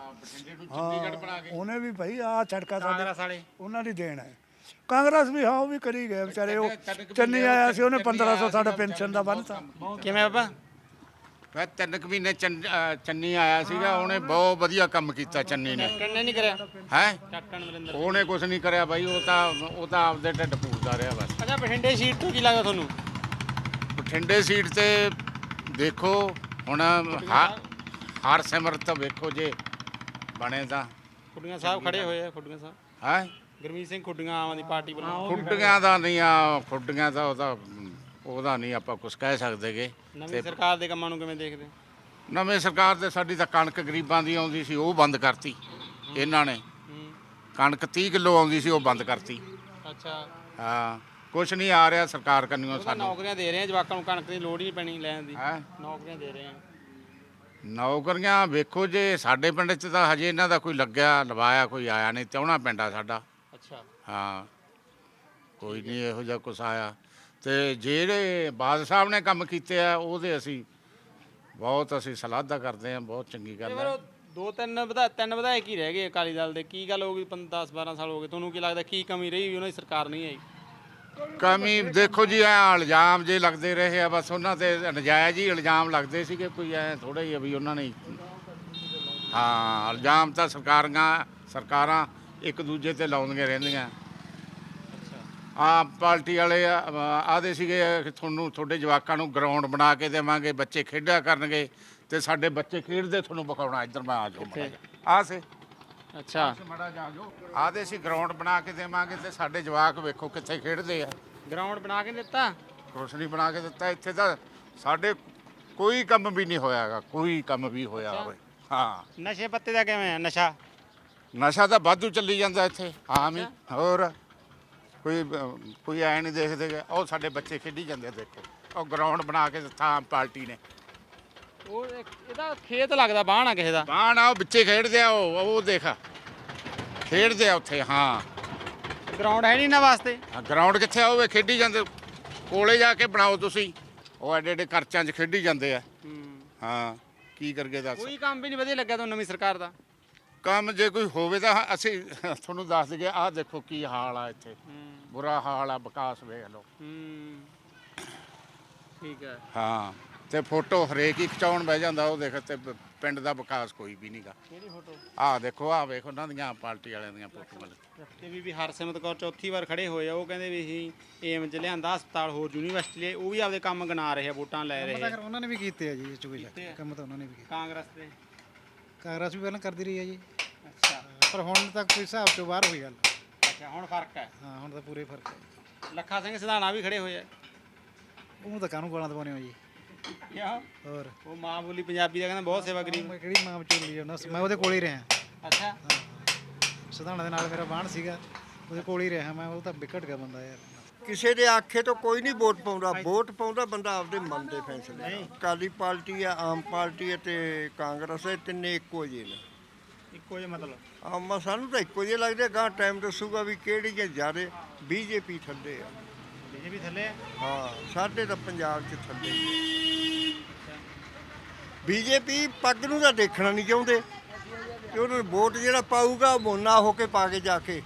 H: ਉਹਨੇ ਵੀ ਭਾਈ ਆ ਛੜਕਾ ਸਾਡੇ ਉਹਨਾਂ ਦੀ ਦੇਣ ਹੈ। ਕਾਂਗਰਸ ਵੀ ਹਾਂ ਉਹ ਵੀ ਕਰੀ ਗਏ ਵਿਚਾਰੇ। ਉਹ ਚੰਨੀ ਆਇਆ ਸੀ ਉਹਨੇ 1500 ਸਾਡਾ ਪੈਨਸ਼ਨ ਦਾ ਬੰਨਤਾ।
B: ਕਿਵੇਂ ਬਾਬਾ?
K: ਮੈਂ 3 ਮਹੀਨੇ ਚੰਨੀ ਆਇਆ ਸੀਗਾ, ਉਹਨੇ ਬਹੁਤ ਵਧੀਆ ਕੰਮ ਕੀਤਾ ਚੰਨੀ ਨੇ।
B: ਕਿੰਨੇ ਨਹੀਂ ਕਰਿਆ
K: ਹੈ
B: ਕੈਪਟਨ ਅਮਰਿੰਦਰ?
K: ਉਹਨੇ ਕੁਝ ਨਹੀਂ ਕਰਿਆ ਬਾਈ, ਉਹ ਤਾਂ ਆਪਦੇ ਢਿੱਡ ਪੂਰਦਾ ਰਿਹਾ ਬਸ।
B: ਅੱਛਾ ਬਠਿੰਡੇ ਸੀਟ ਤੋਂ ਕੀ ਲੱਗਦਾ ਤੁਹਾਨੂੰ?
K: ਬਠਿੰਡੇ ਸੀਟ ਤੇ ਦੇਖੋ ਹੁਣ ਹਰਸਿਮਰਤ ਵੇਖੋ ਜੇ ਬਣੇ ਤਾਂ।
B: ਖੁੱਡੀਆਂ ਸਾਹਿਬ ਖੜੇ ਹੋਏ ਆ, ਖੁੱਡੀਆਂ ਸਾਹਿਬ
K: ਹੈ
B: ਗੁਰਮੀਤ ਸਿੰਘ ਖੁੱਡੀਆਂ ਆਮ ਆਦਮੀ ਪਾਰਟੀ ਵੱਲੋਂ।
K: ਖੁੱਡੀਆਂ ਦਾ ਨਹੀਂ ਆ, ਖੁੱਡੀਆਂ ਦਾ ਉਹਦਾ ਨਹੀਂ ਆਪਾਂ ਕੁਝ ਕਹਿ ਸਕਦੇਗੇ।
B: ਨਵੀਂ ਸਰਕਾਰ ਦੇ ਕੰਮਾਂ ਨੂੰ ਕਿਵੇਂ ਦੇਖਦੇ?
K: ਨਵੇਂ ਸਰਕਾਰ ਦੇ ਸਾਡੀ ਤਾਂ ਕਣਕ ਗਰੀਬਾਂ ਦੀ ਆਉਂਦੀ ਸੀ, ਉਹ ਬੰਦ ਕਰਤੀ ਇਹਨਾਂ ਨੇ। ਕਣਕ 30 ਕਿਲੋ ਆਉਂਦੀ ਸੀ, ਉਹ ਬੰਦ ਕਰਤੀ।
B: ਅੱਛਾ
K: ਹਾਂ ਕੁਛ ਨਹੀਂ ਆ ਰਿਹਾ ਸਰਕਾਰ ਕੰਨਿਓ ਸਾਨੂੰ।
B: ਨੌਕਰੀਆਂ ਦੇ ਰਹੇ ਆ ਜਵਾਕਾਂ ਨੂੰ, ਕਣਕ ਦੀ ਲੋੜ ਹੀ ਨਹੀਂ ਪੈਣੀ ਲੈਣ ਦੀ।
K: ਹੈ
B: ਨੌਕਰੀਆਂ ਦੇ ਰਹੇ ਆ।
K: ਨੌਕਰੀਆਂ ਵੇਖੋ ਜੇ ਸਾਡੇ ਪਿੰਡ 'ਚ ਤਾਂ ਹਜੇ ਇਹਨਾਂ ਦਾ ਕੋਈ ਲੱਗਿਆ ਲਵਾਇਆ ਕੋਈ ਆਇਆ ਨਹੀਂ। ਤਿਉਣਾ ਪਿੰਡ ਆ ਸਾਡਾ।
B: ਅੱਛਾ
K: ਹਾਂ ਕੋਈ ਨਹੀਂ ਇਹੋ ਜਿਹਾ ਕੁਛ ਆਇਆ। ਤੇ ਜਿਹੜੇ ਬਾਦ ਸਾਹਿਬ ਨੇ ਕੰਮ ਕੀਤੇ ਆ ਉਹਦੇ ਅਸੀਂ ਬਹੁਤ ਸਲਾਹਦਾ ਕਰਦੇ ਹਾਂ, ਬਹੁਤ ਚੰਗੀ ਗੱਲ ਹੈ।
B: ਤਿੰਨ ਵਿਧਾਇਕ ਹੀ ਰਹਿ ਗਏ ਅਕਾਲੀ ਦਲ ਦੇ। ਕੀ ਗੱਲ ਹੋ ਗਈ? 10-12 ਸਾਲ ਹੋ ਗਏ, ਤੁਹਾਨੂੰ ਕੀ ਲੱਗਦਾ ਕੀ ਕਮੀ ਰਹੀ ਵੀ ਉਹਨਾਂ ਦੀ ਸਰਕਾਰ ਨਹੀਂ ਆਈ?
K: ਕਮੀ ਦੇਖੋ ਜੀ ਐ ਇਲਜ਼ਾਮ ਜੇ ਲੱਗਦੇ ਰਹੇ ਆ ਬਸ, ਉਹਨਾਂ ਤੇ ਨਜਾਇਜ਼ ਹੀ ਇਲਜ਼ਾਮ ਲੱਗਦੇ ਸੀਗੇ। ਕੋਈ ਐ ਥੋੜਾ ਹੀ ਆ ਵੀ ਉਹਨਾਂ ਨੇ। ਹਾਂ ਇਲਜ਼ਾਮ ਤਾਂ ਸਰਕਾਰਾਂ ਇੱਕ ਦੂਜੇ ਤੇ ਲਾਉਂਦੀਆਂ ਰਹਿੰਦੀਆਂ। ਆਮ ਪਾਰਟੀ ਵਾਲੇ ਆਦੇ ਸੀਗੇ ਕਿ ਤੁਹਾਡੇ ਜਵਾਕਾਂ ਨੂੰ ਗਰਾਊਂਡ ਬਣਾ ਕੇ ਦੇਵਾਂਗੇ, ਬੱਚੇ ਖੇਡਿਆ ਕਰਨਗੇ। ਤੇ ਸਾਡੇ ਬੱਚੇ ਖੇਡਦੇ ਤੁਹਾਨੂੰ ਵਿਖਾਉਣਾ। ਇੱਧਰ ਮੈਂ ਆ ਜਾਓ ਆ ਸੇ।
B: ਅੱਛਾ
K: ਮੜਾ ਜਾ ਜਾਓ। ਆਦੇ ਸੀ ਗਰਾਊਂਡ ਬਣਾ ਕੇ ਦੇਵਾਂਗੇ ਤੇ ਸਾਡੇ ਜਵਾਕ ਵੇਖੋ ਕਿੱਥੇ ਖੇਡਦੇ ਆ।
B: ਗਰਾਊਂਡ ਬਣਾ ਕੇ ਦਿੱਤਾ?
K: ਕੁਛ ਨਹੀਂ ਬਣਾ ਕੇ ਦਿੱਤਾ। ਇੱਥੇ ਤਾਂ ਸਾਡੇ ਕੋਈ ਕੰਮ ਵੀ ਨਹੀਂ ਹੋਇਆਗਾ, ਕੋਈ ਕੰਮ ਵੀ ਹੋਇਆ ਹੋਵੇ। ਹਾਂ
B: ਨਸ਼ੇ ਪੱਤੇ ਦਾ ਕਿਵੇਂ ਆ?
K: ਨਸ਼ਾ ਤਾਂ ਵਾਧੂ ਚੱਲੀ ਜਾਂਦਾ ਇੱਥੇ ਆਮ ਹੀ। ਹੋਰ ਕੋਈ ਐ ਨਹੀਂ ਦੇਖਦੇ। ਉਹ ਸਾਡੇ ਬੱਚੇ ਖੇਡੀ ਜਾਂਦੇ ਦੇਖੋ। ਉਹ ਗਰਾਊਂਡ ਬਣਾ ਕੇ ਦਿੱਤਾ ਆਮ ਪਾਰਟੀ ਨੇ।
B: ਉਹ ਇਹਦਾ ਖੇਤ ਲੱਗਦਾ, ਬਾਣ ਆ ਕਿਸੇ ਦਾ।
K: ਬਾਣ ਆ ਉਹ ਵਿੱਚੇ ਖੇਡਦੇ ਆ। ਉਹ ਦੇਖ ਖੇਡਦੇ ਆ ਉੱਥੇ। ਹਾਂ
B: ਗਰਾਊਂਡ ਹੈ ਨਹੀਂ ਇਹਨਾਂ ਵਾਸਤੇ।
K: ਗਰਾਊਂਡ ਕਿੱਥੇ ਆ? ਉਹ ਖੇਡੀ ਜਾਂਦੇ। ਕੋਲੇ ਜਾ ਕੇ ਬਣਾਓ ਤੁਸੀਂ। ਉਹ ਐਡੇ ਐਡੇ ਖਰਚਾਂ 'ਚ ਖੇਡੀ ਜਾਂਦੇ ਆ। ਹਾਂ ਕੀ ਕਰਗੇ ਦੱਸ।
B: ਕੋਈ ਕੰਮ ਵੀ ਨਹੀਂ ਵਧੀਆ ਲੱਗਿਆ ਤੁਹਾਨੂੰ ਨਵੀਂ ਸਰਕਾਰ ਦਾ?
K: ਕੰਮ ਜੇ ਕੋਈ ਹੋਵੇ ਤਾਂ ਅਸੀਂ ਤੁਹਾਨੂੰ ਦੱਸ ਦਈਏ। ਆਹ ਦੇਖੋ ਕੀ ਹਾਲ ਆ ਇੱਥੇ, ਬੁਰਾ ਹਾਲ ਆ। ਵਿਕਾਸ ਵੇਖ ਲਓ।
B: ਠੀਕ ਹੈ।
K: ਹਾਂ ਤੇ ਫੋਟੋ ਹਰੇਕ ਹੀ ਖਿਚਾਉਣ ਬਹਿ ਜਾਂਦਾ। ਉਹ ਦੇਖ ਤੇ ਪਿੰਡ ਦਾ ਵਿਕਾਸ ਕੋਈ ਵੀ ਨਹੀਂਗਾ।
B: ਕਿਹੜੀ ਫੋਟੋ?
K: ਆਹ ਦੇਖੋ, ਆਹ ਵੇਖ ਉਹਨਾਂ ਦੀਆਂ ਪਾਰਟੀ ਵਾਲਿਆਂ ਦੀਆਂ ਫੋਟੋਆਂ।
B: ਤੇ ਵੀ ਹਰਸਿਮਰਤ ਕੌਰ ਚੌਥੀ ਵਾਰ ਖੜੇ ਹੋਏ ਆ। ਉਹ ਕਹਿੰਦੇ ਵੀ ਅਸੀਂ ਏਮ 'ਚ ਲਿਆਂਦਾ ਹਸਪਤਾਲ, ਹੋਰ ਯੂਨੀਵਰਸਿਟੀ ਲਈ। ਉਹ ਵੀ ਆਪਦੇ ਕੰਮ ਗਿਣਾ ਰਹੇ ਆ, ਵੋਟਾਂ ਲੈ ਰਹੇ ਆ।
L: ਉਹਨਾਂ ਨੇ ਵੀ ਕੀਤੇ ਆ ਜੀ, ਇਹ 'ਚ ਕੋਈ ਕੰਮ ਤਾਂ ਉਹਨਾਂ ਨੇ ਵੀ ਕੀਤਾ।
B: ਕਾਂਗਰਸ ਦੇ?
L: ਕਾਂਗਰਸ ਵੀ ਪਹਿਲਾਂ ਕਰਦੀ ਰਹੀ ਹੈ ਜੀ,
B: ਅੱਛਾ
L: ਪਰ ਹੁਣ ਤੱਕ ਕੋਈ ਹਿਸਾਬ ਤੋਂ ਬਾਹਰ ਹੋਈ ਗੱਲ।
B: ਅੱਛਾ ਹੁਣ ਫਰਕ ਹੈ।
L: ਹਾਂ ਹੁਣ ਤਾਂ ਪੂਰੇ ਫਰਕ ਹੈ।
B: ਲੱਖਾ ਸਿੰਘ ਸਿਧਾਣਾ ਵੀ ਖੜੇ ਹੋਏ ਆ।
L: ਉਹ ਤਾਂ ਕਾਹਨੂੰ ਗਾਲਾਂ ਦਵਾਉਣੇ ਹੋ ਜੀ।
B: ਕਿਉਂ?
L: ਹੋਰ
B: ਉਹ ਮਾਂ ਬੋਲੀ ਪੰਜਾਬੀ ਦਾ ਕਹਿੰਦਾ ਬਹੁਤ ਸੇਵਾ ਕਰੀ।
L: ਮੈਂ ਕਿਹੜੀ ਮਾਂ ਵਿਚੋਲੀ ਆ, ਮੈਂ ਉਹਦੇ ਕੋਲ ਹੀ ਰਿਹਾ।
B: ਅੱਛਾ
L: ਸਿਧਾਣਾ ਦੇ ਨਾਲ ਮੇਰਾ ਬਾਣ ਸੀਗਾ, ਉਹਦੇ ਕੋਲ ਹੀ ਰਿਹਾ ਮੈਂ। ਉਹ ਤਾਂ ਵਿਕਟ ਗਿਆ ਬੰਦਾ ਯਾਰ।
F: ਕਿਸੇ ਦੇ ਆਖੇ ਤੋਂ ਕੋਈ ਨਹੀਂ ਵੋਟ ਪਾਉਂਦਾ। ਵੋਟ ਪਾਉਂਦਾ ਬੰਦਾ ਆਪਦੇ ਮਨ ਦੇ ਫੈਸਲੇ। ਅਕਾਲੀ ਪਾਰਟੀ ਆ, ਆਮ ਪਾਰਟੀ ਹੈ ਤੇ ਕਾਂਗਰਸ ਹੈ, ਤਿੰਨੇ ਇੱਕੋ ਜਿਹੇ ਨੇ।
B: ਇੱਕੋ ਜਿਹਾ ਮਤਲਬ?
F: ਆਮ ਸਾਨੂੰ ਤਾਂ ਇੱਕੋ ਜਿਹੇ ਲੱਗਦੇ। ਗਾਂ ਟਾਈਮ ਦੱਸੂਗਾ ਵੀ ਕਿਹੜੀ ਜੇ ਜ਼ਿਆਦੇ। ਬੀਜੇਪੀ ਥੱਲੇ ਆ।
B: ਬੀਜੇਪੀ ਥੱਲੇ ਆ?
F: ਹਾਂ ਸਾਡੇ ਤਾਂ ਪੰਜਾਬ 'ਚ ਥੱਲੇ। ਬੀਜੇਪੀ ਪੱਗ ਨੂੰ ਤਾਂ ਦੇਖਣਾ ਨਹੀਂ ਚਾਹੁੰਦੇ ਕਿ ਉਹਨਾਂ ਨੂੰ ਵੋਟ ਜਿਹੜਾ ਪਾਊਗਾ ਮੋਨਾ ਹੋ ਕੇ ਪਾ ਕੇ ਜਾ ਕੇ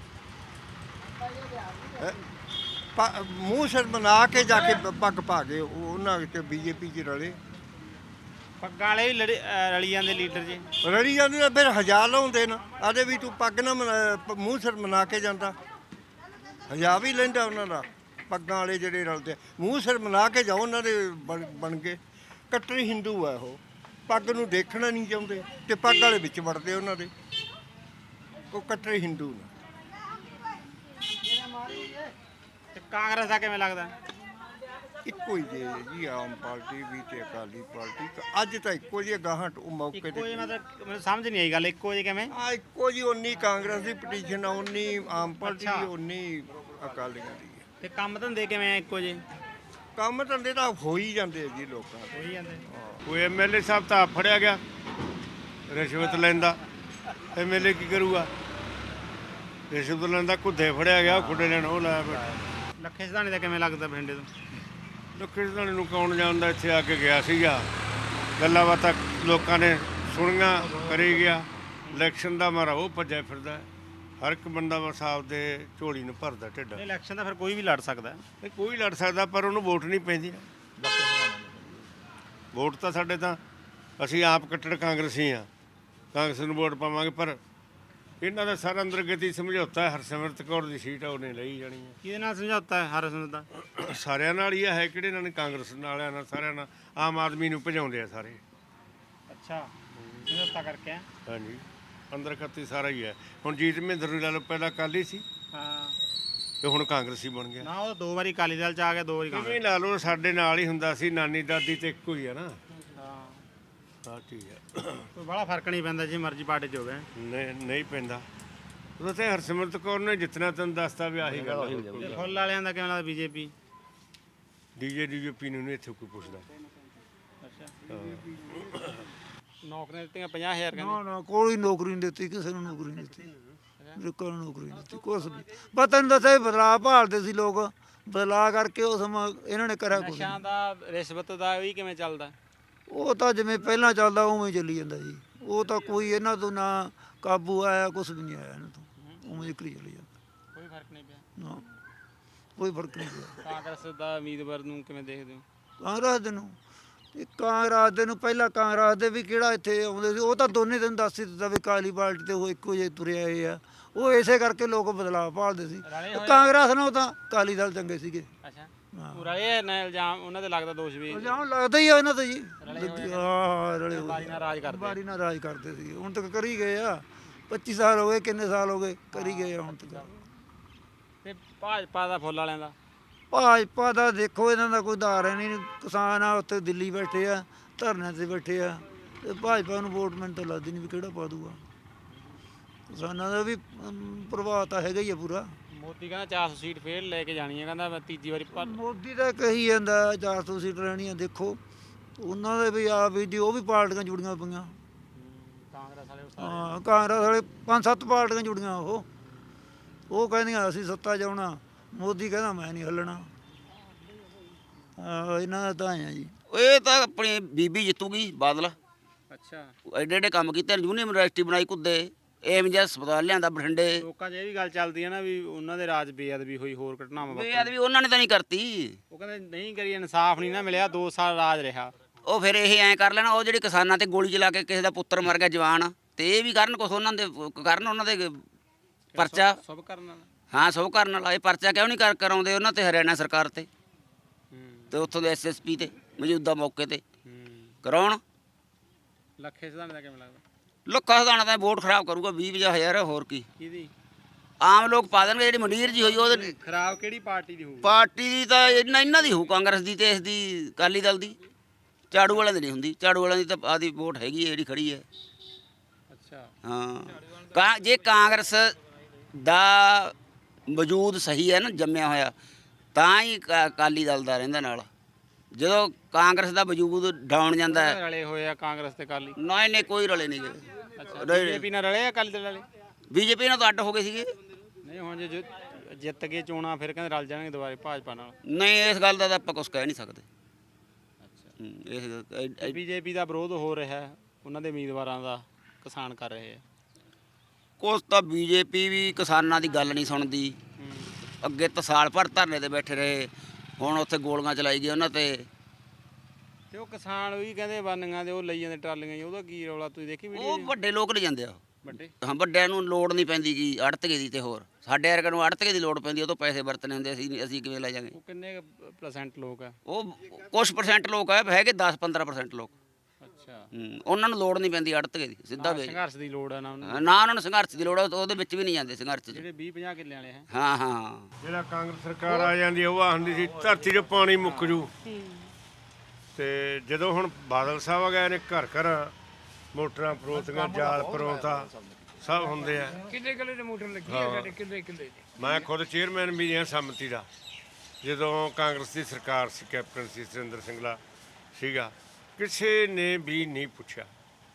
F: ਮੂੰਹ ਸਿਰ ਬਣਾ ਕੇ ਜਾ ਕੇ ਪੱਗ ਪਾ ਕੇ ਉਹਨਾਂ ਤੇ ਬੀਜੇਪੀ 'ਚ ਰਲੇ।
B: ਪੱਗਾਂ ਵਾਲੇ ਵੀ ਰਲੀ ਜਾਂਦੇ ਲੀਡਰ ਜੀ।
F: ਰਲੀ ਜਾਂਦੇ ਤਾਂ ਫਿਰ ਹਜ਼ਾਰ ਲਾਉਂਦੇ ਨੇ। ਆਦੇ ਵੀ ਤੂੰ ਪੱਗ ਨਾ ਮੂੰਹ ਸਿਰ ਬਣਾ ਕੇ ਜਾਂਦਾ। ਹਜ਼ਾਰ ਵੀ ਲੈਂਦਾ ਉਹਨਾਂ ਦਾ। ਪੱਗਾਂ ਵਾਲੇ ਜਿਹੜੇ ਰਲਦੇ ਮੂੰਹ ਸਿਰ ਬਣਾ ਕੇ ਜਾਓ ਉਹਨਾਂ ਦੇ ਬਣ ਕੇ। ਕੱਟੜੀ ਹਿੰਦੂ ਆ ਉਹ, ਪੱਗ ਨੂੰ ਦੇਖਣਾ ਨਹੀਂ ਚਾਹੁੰਦੇ ਤੇ ਪੱਗ ਵਾਲੇ ਵਿੱਚ ਵੜਦੇ ਉਹਨਾਂ ਦੇ। ਉਹ ਕੱਟੜੇ ਹਿੰਦੂ ਨੇ।
B: ਤੇ ਕਾਂਗਰਸ ਦਾ ਕਿਵੇਂ ਲੱਗਦਾ?
F: ਇੱਕੋ ਹੀ ਜੇ ਜੀ, ਆਮ ਪਾਰਟੀ ਵੀ ਤੇ ਅਕਾਲੀ ਪਾਰਟੀ ਅੱਜ ਤਾਂ ਇੱਕੋ ਜਿਹੇ ਗਾਹਾਂ ਉਹ ਮੌਕੇ
B: ਇੱਕੋ
F: ਤੇ
B: ਜਿਹੇ ਮਤਲਬ ਮੈਨੂੰ ਸਮਝ ਨਹੀਂ ਆਈ ਗੱਲ, ਇੱਕੋ ਜਿਹੇ ਕਿਵੇਂ?
F: ਆ ਇੱਕੋ ਜੀ, ਉਨੀ ਕਾਂਗਰਸ ਦੀ ਪਟੀਸ਼ਨ ਆ, ਉਨੀ ਆਮ ਪਾਰਟੀ ਦੀ, ਉਨੀ ਅਕਾਲੀਆਂ ਦੀ ਹੈ।
B: ਤੇ ਕੰਮ ਧੰਦੇ ਕਿਵੇਂ ਆ ਇੱਕੋ ਜਿਹੇ?
F: ਕੰਮ ਧੰਦੇ ਤਾਂ ਹੋ ਹੀ ਜਾਂਦੇ ਆ ਜੀ ਲੋਕਾਂ ਦੇ।
B: ਹੋਈ ਜਾਂਦੇ।
J: ਕੋਈ ਐਮਐਲਏ ਸਾਹਿਬ ਤਾਂ ਫੜਿਆ ਗਿਆ ਰਿਸ਼ਵਤ ਲੈਂਦਾ, ਐਮਐਲਏ ਕੀ ਕਰੂਗਾ? ਰਿਸ਼ਵਤ ਲੈਂਦਾ, ਕੁੱਦੇ ਫੜਿਆ ਗਿਆ, ਖੁੱਡੇ ਲੈਣ ਉਹ ਲਾਇਆ ਬੈਠਾ।
B: ਲੱਖੇ ਸਿਧਾਣੇ ਦਾ ਕਿਵੇਂ ਲੱਗਦਾ ਬਠਿੰਡੇ ਤੋਂ?
J: ਲੱਖੇ ਸਿਧਾਣੇ ਨੂੰ ਕੌਣ ਜਾਣਦਾ, ਇੱਥੇ ਆ ਕੇ ਗਿਆ ਸੀਗਾ, ਗੱਲਾਂ ਬਾਤਾਂ ਲੋਕਾਂ ਨੇ ਸੁਣੀਆਂ, ਕਰੀ ਗਿਆ। ਇਲੈਕਸ਼ਨ ਦਾ ਮਾਰਾ ਉਹ ਭੱਜਿਆ ਫਿਰਦਾ, ਹਰ ਇੱਕ ਬੰਦਾ ਬਸ ਆਪਦੇ ਝੋਲੀ ਨੂੰ ਭਰਦਾ ਢਿੱਡ।
B: ਇਲੈਕਸ਼ਨ ਦਾ ਫਿਰ ਕੋਈ ਵੀ ਲੜ ਸਕਦਾ।
J: ਨਹੀਂ, ਕੋਈ ਲੜ ਸਕਦਾ, ਪਰ ਉਹਨੂੰ ਵੋਟ ਨਹੀਂ ਪੈਂਦੀ। ਵੋਟ ਤਾਂ ਸਾਡੇ ਤਾਂ ਅਸੀਂ ਆਪ ਕੱਟੜ ਕਾਂਗਰਸੀ ਆ, ਕਾਂਗਰਸ ਨੂੰ ਵੋਟ ਪਾਵਾਂਗੇ, ਪਰ ਇਹਨਾਂ ਦਾ ਸਾਰਾ ਅੰਦਰਗਤੀ ਸਮਝੌਤਾ ਹੈ। ਹਰਸਿਮਰਤ ਕੌਰ ਦੀ ਸੀਟ ਆ, ਉਹਨੇ ਲਈ ਜਾਣੀ ਹੈ।
B: ਕਿਹਦੇ ਨਾਲ ਸਮਝੌਤਾ ਹੈ ਹਰਸਿਮਰਤ ਦਾ?
J: ਸਾਰਿਆਂ ਨਾਲ ਹੀ ਹੈ, ਕਿਹੜੇ ਨਾਲ? ਕਾਂਗਰਸ ਵਾਲਿਆਂ ਨਾਲ, ਸਾਰਿਆਂ ਨਾਲ। ਆਮ ਆਦਮੀ ਨੂੰ ਭਜਾਉਂਦੇ ਆ ਸਾਰੇ।
B: ਅੱਛਾ, ਸਮਝੌਤਾ ਕਰਕੇ ਆ?
J: ਹਾਂਜੀ, ਅੰਦਰਗਤੀ ਸਾਰਾ ਹੀ ਹੈ। ਹੁਣ ਜੀਤ ਮਹਿੰਦਰ ਨੂੰ ਲਾ ਲਓ, ਪਹਿਲਾਂ ਅਕਾਲੀ ਸੀ
B: ਹਾਂ,
J: ਤੇ ਹੁਣ ਕਾਂਗਰਸੀ ਬਣ ਗਿਆ।
B: ਨਾ ਉਹ 2 ਵਾਰੀ ਅਕਾਲੀ ਦਲ ਚ ਆ ਗਿਆ, 2 ਵਾਰੀ
J: ਕਿਵੇਂ
B: ਕਾਂਗਰਸ।
J: ਲਾ ਲਓ, ਸਾਡੇ ਨਾਲ ਹੀ ਹੁੰਦਾ ਸੀ, ਨਾਨੀ ਦਾਦੀ ਤੇ ਇੱਕੋ ਹੀ ਆ ਨਾ।
B: ਹਾਂ,
J: ਹਾਂ, ਠੀਕ ਹੈ।
B: ਕੋਈ ਬੜਾ ਫਰਕ ਨਹੀਂ ਪੈਂਦਾ ਜੇ ਮਰਜ਼ੀ ਪਾਰਟੀ ਚ ਹੋਵੇ।
J: ਨਹੀਂ ਪੈਂਦਾ। ਉਹ ਤੇ ਹਰਸਿਮਰਤ ਕੌਰ ਨੇ ਜਿੱਤਣਾ, ਤੈਨੂੰ ਦੱਸਦਾ ਵੀ ਆਹੀ ਗੱਲ ਹੈ।
B: ਤੇ ਫੁੱਲ ਵਾਲਿਆਂ ਦਾ ਕਿਵੇਂ ਲੱਗਦਾ? ਬੀਜੇਪੀ?
J: ਡੀਜੇਪੀ ਨੂੰ ਨਹੀਂ ਇੱਥੇ ਕੋਈ ਪੁੱਛਦਾ।
B: ਨੌਕਰੀਆਂ ਦਿੱਤੀਆਂ 50,000 ਕਹਿੰਦੇ।
H: ਨਾ ਨਾ, ਕੋਈ ਨੌਕਰੀ ਨਹੀਂ ਦਿੱਤੀ, ਕਿਸੇ ਨੂੰ ਨੌਕਰੀ ਨਹੀਂ ਦਿੱਤੀ, ਕੋਈ ਨੌਕਰੀ ਨਹੀਂ ਦਿੱਤੀ, ਕੁਛ ਨਹੀਂ। ਬਸ ਤੈਨੂੰ ਦੱਸਿਆ ਬਦਲਾਅ ਭਾਲਦੇ ਸੀ ਲੋਕ, ਬਦਲਾਅ ਕਰਕੇ ਉਹ ਸਮਾਂ ਇਹਨਾਂ ਨੇ ਕਰਿਆ ਕੁਛ
B: ਨਸ਼ਿਆਂ ਦਾ, ਰਿਸ਼ਵਤ ਦਾ ਵੀ ਕਿਵੇਂ ਚੱਲਦਾ?
H: ਉਹ ਤਾਂ ਜਿਵੇਂ ਪਹਿਲਾਂ ਚੱਲਦਾ ਉਵੇਂ ਹੀ ਚੱਲੀ ਜਾਂਦਾ ਜੀ। ਉਹ ਤਾਂ ਕੋਈ ਇਹਨਾਂ ਤੋਂ ਨਾ ਕਾਬੂ ਆਇਆ, ਕੁਛ ਵੀ ਨਹੀਂ ਆਇਆ ਇਹਨਾਂ ਤੋਂ, ਉਵੇਂ ਹੀ ਕਰੀ ਚੱਲੀ ਜਾਂਦਾ।
B: ਕੋਈ ਫਰਕ ਨਹੀਂ ਪਿਆ?
H: ਨਾ, ਕੋਈ ਫਰਕ ਨਹੀਂ ਪਿਆ।
B: ਕਾਂਗਰਸ ਦਾ ਉਮੀਦਵਾਰ ਨੂੰ ਕਿਵੇਂ ਦੇਖਦੇ ਹੋ?
H: ਕਾਂਗਰਸ ਦੇ ਨੂੰ, ਇਹ ਕਾਂਗਰਸ ਦੇ ਨੂੰ ਪਹਿਲਾਂ ਕਾਂਗਰਸ ਦੇ ਵੀ ਕਿਹੜਾ ਇੱਥੇ ਆਉਂਦੇ ਸੀ, ਉਹ ਤਾਂ ਦੋਨੇ ਦਿਨ ਦੱਸ ਹੀ ਦਿੱਤਾ ਵੀ ਕਾਲੀ ਪਾਰਟੀ ਤੇ ਉਹ ਇੱਕੋ ਜਿਹੇ ਤੁਰੇ ਆਏ ਆ। ਉਹ ਇਸੇ ਕਰਕੇ ਲੋਕ ਬਦਲਾਅ ਭਾਲਦੇ ਸੀ। ਕਾਂਗਰਸ ਨਾਲੋਂ ਤਾਂ ਅਕਾਲੀ ਦਲ ਚੰਗੇ ਸੀਗੇ।
B: ਅੱਛਾ, ਪੂਰਾ ਇਹ ਨਾ ਇਲਜ਼ਾਮ ਉਹਨਾਂ ਤੇ ਲੱਗਦਾ, ਦੋਸ਼ ਵੀ
H: ਇਲਜ਼ਾਮ ਲੱਗਦਾ ਹੀ ਆ ਇਹਨਾਂ ਤੇ ਜੀ। ਹਾਂ, ਰਲੇ ਹੋਏ
B: ਬਾਰੀ ਨਾਲ ਰਾਜ ਕਰਦੇ।
H: ਬਾਰੀ ਨਾਲ ਰਾਜ ਕਰਦੇ ਸੀ, ਹੁਣ ਤੱਕ ਕਰੀ ਗਏ ਆ। 25 ਸਾਲ ਹੋ ਗਏ, ਕਿੰਨੇ ਸਾਲ ਹੋ ਗਏ, ਕਰੀ ਗਏ ਆ ਹੁਣ ਤੱਕ।
B: ਤੇ ਭਾਜਪਾ ਦਾ, ਫੁੱਲ ਵਾਲਿਆਂ ਦਾ?
H: ਭਾਜਪਾ ਦਾ ਦੇਖੋ, ਇਹਨਾਂ ਦਾ ਕੋਈ ਧਾਰ ਹੈ ਨਹੀਂ। ਕਿਸਾਨ ਆ ਉੱਥੇ ਦਿੱਲੀ ਬੈਠੇ ਆ, ਧਰਨਿਆਂ ਤੇ ਬੈਠੇ ਆ, ਤੇ ਭਾਜਪਾ ਨੂੰ ਵੋਟ ਮੈਨੂੰ ਤਾਂ ਲੱਗਦੀ ਨਹੀਂ ਵੀ ਕਿਹੜਾ ਪਾ ਦੂਗਾ। ਕਿਸਾਨਾਂ ਦਾ ਵੀ ਪ੍ਰਭਾਵ ਤਾਂ ਹੈਗਾ ਹੀ ਆ ਪੂਰਾ।
B: ਮੋਦੀ ਕਹਿੰਦਾ 400 ਸੀਟ ਫੇਰ ਲੈ ਕੇ ਜਾਣੀ ਹੈ, ਕਹਿੰਦਾ ਮੈਂ ਤੀਜੀ ਵਾਰੀ
H: ਮੋਦੀ ਦਾ ਕਹੀ ਜਾਂਦਾ 400 ਸੀਟ ਲੈਣੀਆਂ। ਦੇਖੋ ਉਹਨਾਂ ਦੇ ਵੀ ਆ ਵੀ ਉਹ ਵੀ ਪਾਰਟੀਆਂ ਜੁੜੀਆਂ ਪਈਆਂ।
B: ਕਾਂਗਰਸ ਵਾਲੇ
H: ਹਾਂ, ਕਾਂਗਰਸ ਵਾਲੇ 5-7 ਪਾਰਟੀਆਂ ਜੁੜੀਆਂ। ਉਹ ਕਹਿੰਦੀਆਂ ਅਸੀਂ ਸੱਤਾ 'ਚ ਆਉਣਾ, ਮੋਦੀ ਕਹਿੰਦਾ ਮੈਂ ਨਹੀਂ ਹੱਲਣਾ। ਇਹਨਾਂ ਦਾ ਤਾਂ ਆ ਜੀ।
D: ਇਹ ਤਾਂ ਆਪਣੀ ਬੀਬੀ ਜਿੱਤੂਗੀ, ਬਾਦਲ।
B: ਅੱਛਾ,
D: ਐਡੇ ਐਡੇ ਕੰਮ ਕੀਤੇ, ਯੂਨੀਵਰਸਿਟੀ ਬਣਾਈ, ਕੁੱਦੇ ਏਮਜ ਹਸਪਤਾਲ ਲਿਆਂਦਾ ਬਠਿੰਡੇ।
B: ਲੋਕਾਂ 'ਚ ਇਹ ਵੀ ਗੱਲ ਚੱਲਦੀ ਹੈ ਨਾ ਵੀ ਉਹਨਾਂ ਦੇ ਰਾਜ ਬੇਅਦਬੀ ਹੋਈ, ਹੋਰ ਘਟਨਾਵਾਂ
D: ਬੇਅਦਬੀ ਉਹਨਾਂ ਨੇ ਤਾਂ ਨਹੀਂ ਕਰਤੀ।
B: ਉਹ ਕਹਿੰਦੇ ਨਹੀਂ ਕਰੀ, ਇਨਸਾਫ ਨਹੀਂ ਨਾ ਮਿਲਿਆ, 2 ਸਾਲ ਰਾਜ ਰਿਹਾ।
D: ਉਹ ਫਿਰ ਇਹ ਐਂ ਕਰ ਲੈਣਾ, ਉਹ ਜਿਹੜੇ ਕਿਸਾਨਾਂ ਤੇ ਗੋਲੀ ਚਲਾ ਕੇ ਕਿਸੇ ਦਾ ਪੁੱਤਰ ਮਰ ਗਿਆ ਜਵਾਨ, ਤੇ ਇਹ ਵੀ ਕਰਨ ਕੁਛ, ਉਹਨਾਂ ਦੇ ਕਰਨ, ਉਹਨਾਂ ਦੇ ਪਰਚਾ
B: ਸਭ ਕਰਨ ਵਾਲਾ।
D: ਹਾਂ, ਸਭ ਕਰਨ ਵਾਲਾ। ਇਹ ਪਰਚਾ ਕਿਉਂ ਨਹੀਂ ਕਰਾਉਂਦੇ ਉਹਨਾਂ ਤੇ, ਹਰਿਆਣਾ ਸਰਕਾਰ ਤੇ, ਤੇ ਉੱਥੋਂ ਦੇ ਐਸਐਸਪੀ ਤੇ, ਮੌਜੂਦਾ ਮੌਕੇ ਤੇ ਕਰਾਉਣ।
B: ਲੱਖੇ ਸਿਧਾਣੇ ਦਾ ਕਿਵੇਂ ਲੱਗਦਾ?
D: ਲੋਕਾਂ ਹਦਾਣਾ ਤਾਂ ਵੋਟ ਖਰਾਬ ਕਰੂਗਾ 20,000, ਹੋਰ ਕੀ।
B: ਕਿਹਦੀ?
D: ਆਮ ਲੋਕ ਪਾ ਦੇਣਗੇ। ਜਿਹੜੀ ਮੰਡੀਰ ਜੀ ਹੋਈ ਉਹਦੇ
B: ਖਰਾਬ ਕਿਹੜੀ ਪਾਰਟੀ ਦੀ ਹੋਊ?
D: ਪਾਰਟੀ ਦੀ ਤਾਂ ਇਹਨਾਂ ਦੀ ਹੋਊ, ਕਾਂਗਰਸ ਦੀ ਤੇ ਇਸ ਦੀ ਅਕਾਲੀ ਦਲ ਦੀ। ਝਾੜੂ ਵਾਲਿਆਂ ਦੀ ਨਹੀਂ ਹੁੰਦੀ। ਝਾੜੂ ਵਾਲਿਆਂ ਦੀ ਤਾਂ ਆਦੀ ਵੋਟ ਹੈਗੀ ਹੈ ਜਿਹੜੀ ਖੜੀ ਹੈ।
B: ਅੱਛਾ,
D: ਹਾਂ, ਜੇ ਕਾਂਗਰਸ ਦਾ ਵਜੂਦ ਸਹੀ ਹੈ ਨਾ, ਜੰਮਿਆ ਹੋਇਆ, ਤਾਂ ਹੀ ਅਕਾਲੀ ਦਲ ਦਾ ਰਹਿੰਦਾ ਨਾਲ। ਜਦੋਂ ਕਾਂਗਰਸ ਦਾ ਵਜੂਦ ਡਾਊਨ ਜਾਂਦਾ ਹੈ।
B: ਰਲੇ ਹੋਏ ਆ ਕਾਂਗਰਸ ਤੇ ਅਕਾਲੀ?
D: ਨਹੀਂ, ਕੋਈ ਰਲੇ ਨਹੀਂ ਗਏ।
B: ਅੱਛਾ, ਬੀਜੇਪੀ ਨਾਲ ਰਲੇ ਆ ਅਕਾਲੀ ਦਲ ਵਾਲੇ?
D: ਬੀਜੇਪੀ ਨਾਲ ਤਾਂ ਅੱਡ ਹੋ ਗਏ ਸੀਗੇ।
B: ਨਹੀਂ, ਹੁਣ ਜੇ ਜਿੱਤ ਕੇ ਚੋਣਾਂ ਫਿਰ ਕਹਿੰਦੇ ਰਲ ਜਾਣਗੇ ਦੁਬਾਰੇ ਭਾਜਪਾ ਨਾਲ।
D: ਨਹੀਂ, ਇਸ ਗੱਲ ਦਾ ਤਾਂ ਆਪਾਂ ਕੁਝ ਕਹਿ ਨਹੀਂ ਸਕਦੇ।
B: ਬੀਜੇਪੀ ਦਾ ਵਿਰੋਧ ਹੋ ਰਿਹਾ ਹੈ, ਉਹਨਾਂ ਦੇ ਉਮੀਦਵਾਰਾਂ ਦਾ ਕਿਸਾਨ ਕਰ ਰਹੇ ਆ।
D: ਕੁਛ ਤਾਂ ਬੀਜੇਪੀ ਵੀ ਕਿਸਾਨਾਂ ਦੀ ਗੱਲ ਨਹੀਂ ਸੁਣਦੀ। ਅੱਗੇ ਤਾਂ ਸਾਲ ਭਰ ਧਰਨੇ ਤੇ ਬੈਠੇ ਰਹੇ, ਹੁਣ ਉੱਥੇ ਗੋਲੀਆਂ ਚਲਾਈ ਗਈ ਉਹਨਾਂ ਤੇ।
B: ਤੇ ਉਹ ਕਿਸਾਨ ਵੀ ਕਹਿੰਦੇ ਬੰਨੀਆਂ ਦੇ ਉਹ ਲਈ ਜਾਂਦੇ ਟਰਾਲੀਆਂ ਜੀ, ਉਹਦਾ ਕੀ ਰੌਲਾ ਤੁਸੀਂ ਦੇਖੀ ਵੀਡੀਓ?
D: ਉਹ ਵੱਡੇ ਲੋਕ ਲੈ ਜਾਂਦੇ ਆ।
B: ਵੱਡੇ?
D: ਹਾਂ, ਵੱਡਿਆਂ ਨੂੰ ਲੋੜ ਨਹੀਂ ਪੈਂਦੀ ਗੀ ਅੜਤਕੇ ਦੀ। ਤੇ ਹੋਰ ਸਾਡੇ ਵਰਗਿਆਂ ਨੂੰ ਅੜਤਕੇ ਦੀ ਲੋੜ ਪੈਂਦੀ, ਉਹ ਤੋਂ ਪੈਸੇ ਵਰਤਣੇ ਹੁੰਦੇ। ਅਸੀਂ ਕਿਵੇਂ ਲੈ ਜਾਵਾਂਗੇ?
B: ਉਹ ਕਿੰਨੇ % ਲੋਕ ਆ?
D: ਉਹ ਕੁਛ % ਲੋਕ ਆ, ਹੈਗੇ 10-15% ਲੋਕ।
B: ਅੱਛਾ
D: ਉਹਨਾਂ ਨੂੰ ਲੋੜ ਨਹੀਂ ਪੈਂਦੀ ਅੜਤਕੇ ਦੀ, ਸਿੱਧਾ ਵੇਚ।
B: ਸੰਘਰਸ਼ ਦੀ ਲੋੜ ਆ ਨਾ ਉਹਨਾਂ
D: ਨਾ ਉਹਨਾਂ ਨੂੰ ਸੰਘਰਸ਼ ਦੀ ਲੋੜ ਆ, ਉਹਦੇ ਵਿੱਚ ਵੀ ਨਹੀਂ ਜਾਂਦੇ ਸੰਘਰਸ਼ 'ਚ।
B: ਜਿਹੜੇ 20-50 ਕਿੱਲੇ ਵਾਲੇ ਹੈ।
D: ਹਾਂ ਹਾਂ
M: ਜਿਹੜਾ ਕਾਂਗਰਸ ਸਰਕਾਰ ਆ ਜਾਂਦੀ ਉਹ ਆਖਦੀ ਸੀ ਧਰਤੀ 'ਚ ਪਾਣੀ ਮੁੱਕ ਜੂ, ਤੇ ਜਦੋਂ ਹੁਣ ਬਾਦਲ ਸਾਹਿਬ ਆ ਗਏ ਨੇ ਘਰ ਘਰ ਮੋਟਰਾਂ ਪਰੋਤੀਆਂ, ਜਾਲ ਪਰੋਤਾ ਸਭ ਹੁੰਦੇ ਆ।
C: ਕਿੱਲੇ ਕਿੱਲੇ ਦੇ ਮੋਟਰ ਲੱਗੀ ਆ ਸਾਡੇ, ਕਿੱਲੇ ਕਿੱਲੇ ਦੇ।
M: ਮੈਂ ਖੁਦ ਚੇਅਰਮੈਨ ਵੀ ਹਾਂ ਸੰਮਤੀ ਦਾ। ਜਦੋਂ ਕਾਂਗਰਸ ਦੀ ਸਰਕਾਰ ਸੀ, ਕੈਪਟਨ ਸੀ ਸੁਰਿੰਦਰ ਸਿੰਘਲਾ ਸੀਗਾ, ਕਿਸੇ ਨੇ ਵੀ ਨਹੀਂ ਪੁੱਛਿਆ।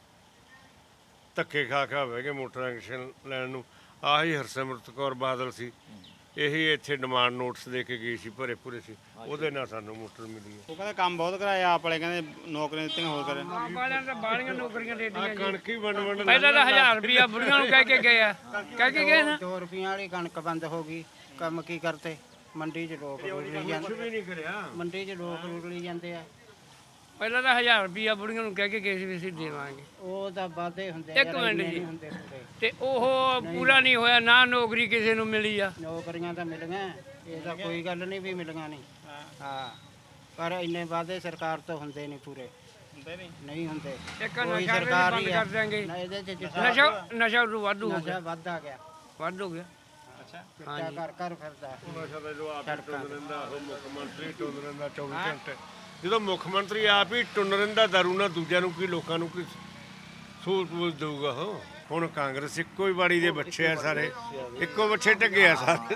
M: ਧੱਕੇ ਖਾ ਖਾ ਹੋਵੇਗੇ ਮੋਟਰਾਂ ਕਨੈਕਸ਼ਨ ਲੈਣ ਨੂੰ। ਆਹੀ ਹਰਸਿਮਰਤ ਕੌਰ ਬਾਦਲ ਸੀ, ਇਹੀ ਇੱਥੇ ਡਿਮਾਂਡ ਨੋਟਿਸ ਦੇ ਕੇ ਗਈ ਸੀ, ਭਰੇ ਭੁਰੇ ਸੀ, ਉਹਦੇ ਨਾਲ ਸਾਨੂੰ ਮੋਟਰ ਮਿਲੀ ਹੈ।
B: ਉਹ ਕਹਿੰਦੇ ਕੰਮ ਬਹੁਤ ਕਰਾਇਆ, ਆਪ ਵਾਲੇ ਕਹਿੰਦੇ ਨੌਕਰੀਆਂ ਦਿੱਤੀਆਂ ਹੋਰ ਕਰੇ।
C: ਵਾਲਿਆਂ ਤਾਂ ਬਾਹਲੀਆਂ ਨੌਕਰੀਆਂ ਦੇ ਦਿੱਤੀਆਂ ਜੀ।
M: ਕਣਕ ਹੀ ਵੰਡ
C: ਪਹਿਲਾਂ ਤਾਂ 1000 ਰੁਪਿਆ ਬੁੜੀਆਂ ਨੂੰ ਕਹਿ ਕੇ ਗਏ ਆ, ਕਹਿ ਕੇ ਗਏ ਨਾ।
L: 2 ਰੁਪਈਆਂ ਵਾਲੀ ਕਣਕ ਬੰਦ ਹੋ ਗਈ, ਕੰਮ ਕੀ ਕਰਤੇ? ਮੰਡੀ 'ਚ ਲੋਕ ਰੁਲੀ ਜਾਂਦੇ,
M: ਵੀ ਨਹੀਂ ਕਰਿਆ।
L: ਮੰਡੀ 'ਚ ਲੋਕ ਰੁਲੀ ਜਾਂਦੇ ਆ।
C: ਪਹਿਲਾਂ ਤਾਂ 1000 ਰੁਪਿਆ ਬੁੜੀਆਂ ਨੂੰ ਕਹਿ ਕੇ ਗਏ ਸੀ ਵੀ ਅਸੀਂ ਦੇਵਾਂਗੇ।
L: ਉਹ ਤਾਂ ਵਾਅਦੇ ਹੁੰਦੇ
C: ਇੱਕ
L: ਯਾਰ,
C: ਮਿੰਟ
L: ਇੰਨੇ
C: ਜੀ।
L: ਨਹੀਂ ਹੁੰਦੇ ਪੂਰੇ।
C: ਤੇ ਉਹ ਪੂਰਾ ਨਹੀਂ ਹੋਇਆ, ਨਾ ਨੌਕਰੀ ਕਿਸੇ ਨੂੰ ਮਿਲੀ ਆ।
L: ਨੌਕਰੀਆਂ ਤਾਂ ਮਿਲੀਆਂ, ਇਹ ਤਾਂ ਕੋਈ ਗੱਲ ਨਹੀਂ ਵੀ ਮਿਲੀਆਂ ਨਹੀਂ। ਹਾਂ, ਪਰ ਇੰਨੇ ਵਾਅਦੇ ਸਰਕਾਰ ਤੋਂ ਹੁੰਦੇ ਨਹੀਂ ਪੂਰੇ, ਨਹੀਂ ਹੁੰਦੇ।
C: ਇੱਕ
L: ਕੋਈ
C: ਨਸ਼ਾ
L: ਸਰਕਾਰ
C: ਬੰਦ
L: ਹੀ
C: ਕਰ
L: ਆ।
C: ਦਿਆਂਗੇ।
L: ਨਾ ਇਹਦੇ 'ਚ
C: ਨਸ਼ਾ ਉਦੋਂ ਵਾਧੂ ਹੋ
L: ਨਸ਼ਾ
C: ਗਿਆ,
L: ਵੱਧ ਆ ਗਿਆ,
C: ਵੱਧ ਹੋ ਗਿਆ।
L: ਚਿੱਟਾ ਘਰ ਘਰ ਫਿਰਦਾ।
M: ਨਸ਼ਾ ਦਾ ਜੋ ਆਪ ਹੀ ਟੁੰਨ ਰਹਿੰਦਾ, ਉਹ ਮੁੱਖ ਮੰਤਰੀ ਟੁੰਨ ਰਹਿੰਦਾ 24 ਘੰਟੇ। ਜਦੋਂ ਮੁੱਖ ਮੰਤਰੀ ਆਪ ਹੀ ਟੁੰਨ ਰਹਿੰਦਾ ਦਾਰੂ ਨਾਲ, ਦੂਜਿਆਂ ਨੂੰ ਕੀ, ਲੋਕਾਂ ਨੂੰ ਕੀ ਸਹੂਲਤ ਦੇਊਗਾ ਉਹ? ਹੁਣ ਕਾਂਗਰਸ ਇੱਕੋ ਹੀ ਬਾੜੀ ਦੇ ਬੱਚੇ ਆ ਸਾਰੇ, ਇੱਕੋ ਬੱਚੇ ਢੱਗੇ ਆ ਸਾਰੇ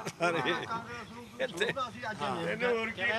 M: ਇਹਨੂੰ ਹੋਰ ਕੀ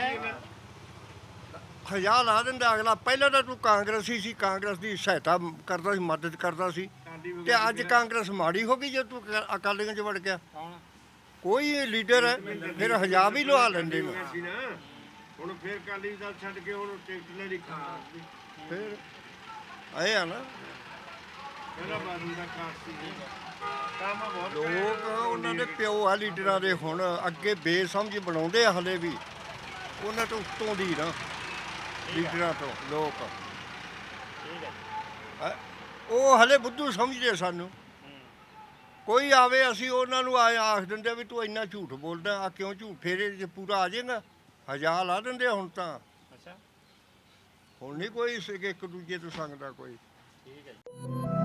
F: ਹਜ਼ਾਰ ਲਾ ਦਿੰਦਾ ਅਗਲਾ। ਪਹਿਲਾਂ ਤਾਂ ਤੂੰ ਕਾਂਗਰਸੀ ਸੀ, ਕਾਂਗਰਸ ਦੀ ਸਹਾਇਤਾ ਕਰਦਾ ਸੀ, ਮਦਦ ਕਰਦਾ ਸੀ, ਤੇ ਅੱਜ ਕਾਂਗਰਸ ਮਾੜੀ ਹੋ ਗਈ ਜੇ ਤੂੰ ਅਕਾਲੀਆਂ 'ਚ ਵੜ ਗਿਆ। ਕੋਈ ਲੀਡਰ ਹੈ ਫਿਰ ਹਜ਼ਾਰ ਵੀ ਲਵਾ ਲੈਂਦੇ ਨੇ।
M: ਸੀ ਨਾ। ਹੁਣ ਫੇਰ ਕਾਲੀ ਦਲ ਛੱਡ ਕੇ ਹੁਣ ਟਿਕਟ ਲੈ ਲਈ ਕਾਂਗਰਸ ਦੀ।
F: ਫਿਰ ਆਏ ਆ ਨਾ
M: ਪਹਿਲਾਂ ਬਾਦਲ ਦਾ ਕਾਸ ਸੀ, ਕੰਮ ਬਹੁਤ
F: ਲੋਕ, ਉਹਨਾਂ ਦੇ ਪਿਓ ਆ ਲੀਡਰਾਂ ਦੇ, ਹੁਣ ਅੱਗੇ ਬੇਸਮਝ ਬਣਾਉਂਦੇ ਆ ਹਲੇ ਵੀ। ਉਹਨਾਂ ਤੋਂ ਉੱਤੋਂ ਦੀ ਨਾ ਲੀਡਰਾਂ ਤੋਂ ਲੋਕ, ਉਹ ਹਲੇ ਬੁੱਧੂ ਸਮਝਦੇ ਸਾਨੂੰ। ਕੋਈ ਆਵੇ, ਅਸੀਂ ਉਹਨਾਂ ਨੂੰ ਆਖ ਦਿੰਦੇ ਵੀ ਤੂੰ ਇੰਨਾ ਝੂਠ ਬੋਲਦਾ ਆ, ਕਿਉਂ ਝੂਠ? ਫੇਰੇ ਜੇ ਪੂਰਾ ਆ ਜਾਏਗਾ ਹਜ਼ਾਰ ਲਾ ਦਿੰਦੇ ਹੁਣ ਤਾਂ। ਹੁਣ ਨਹੀਂ ਕੋਈ ਇੱਕ ਦੂਜੇ ਤੋਂ ਸੰਗਦਾ ਕੋਈ।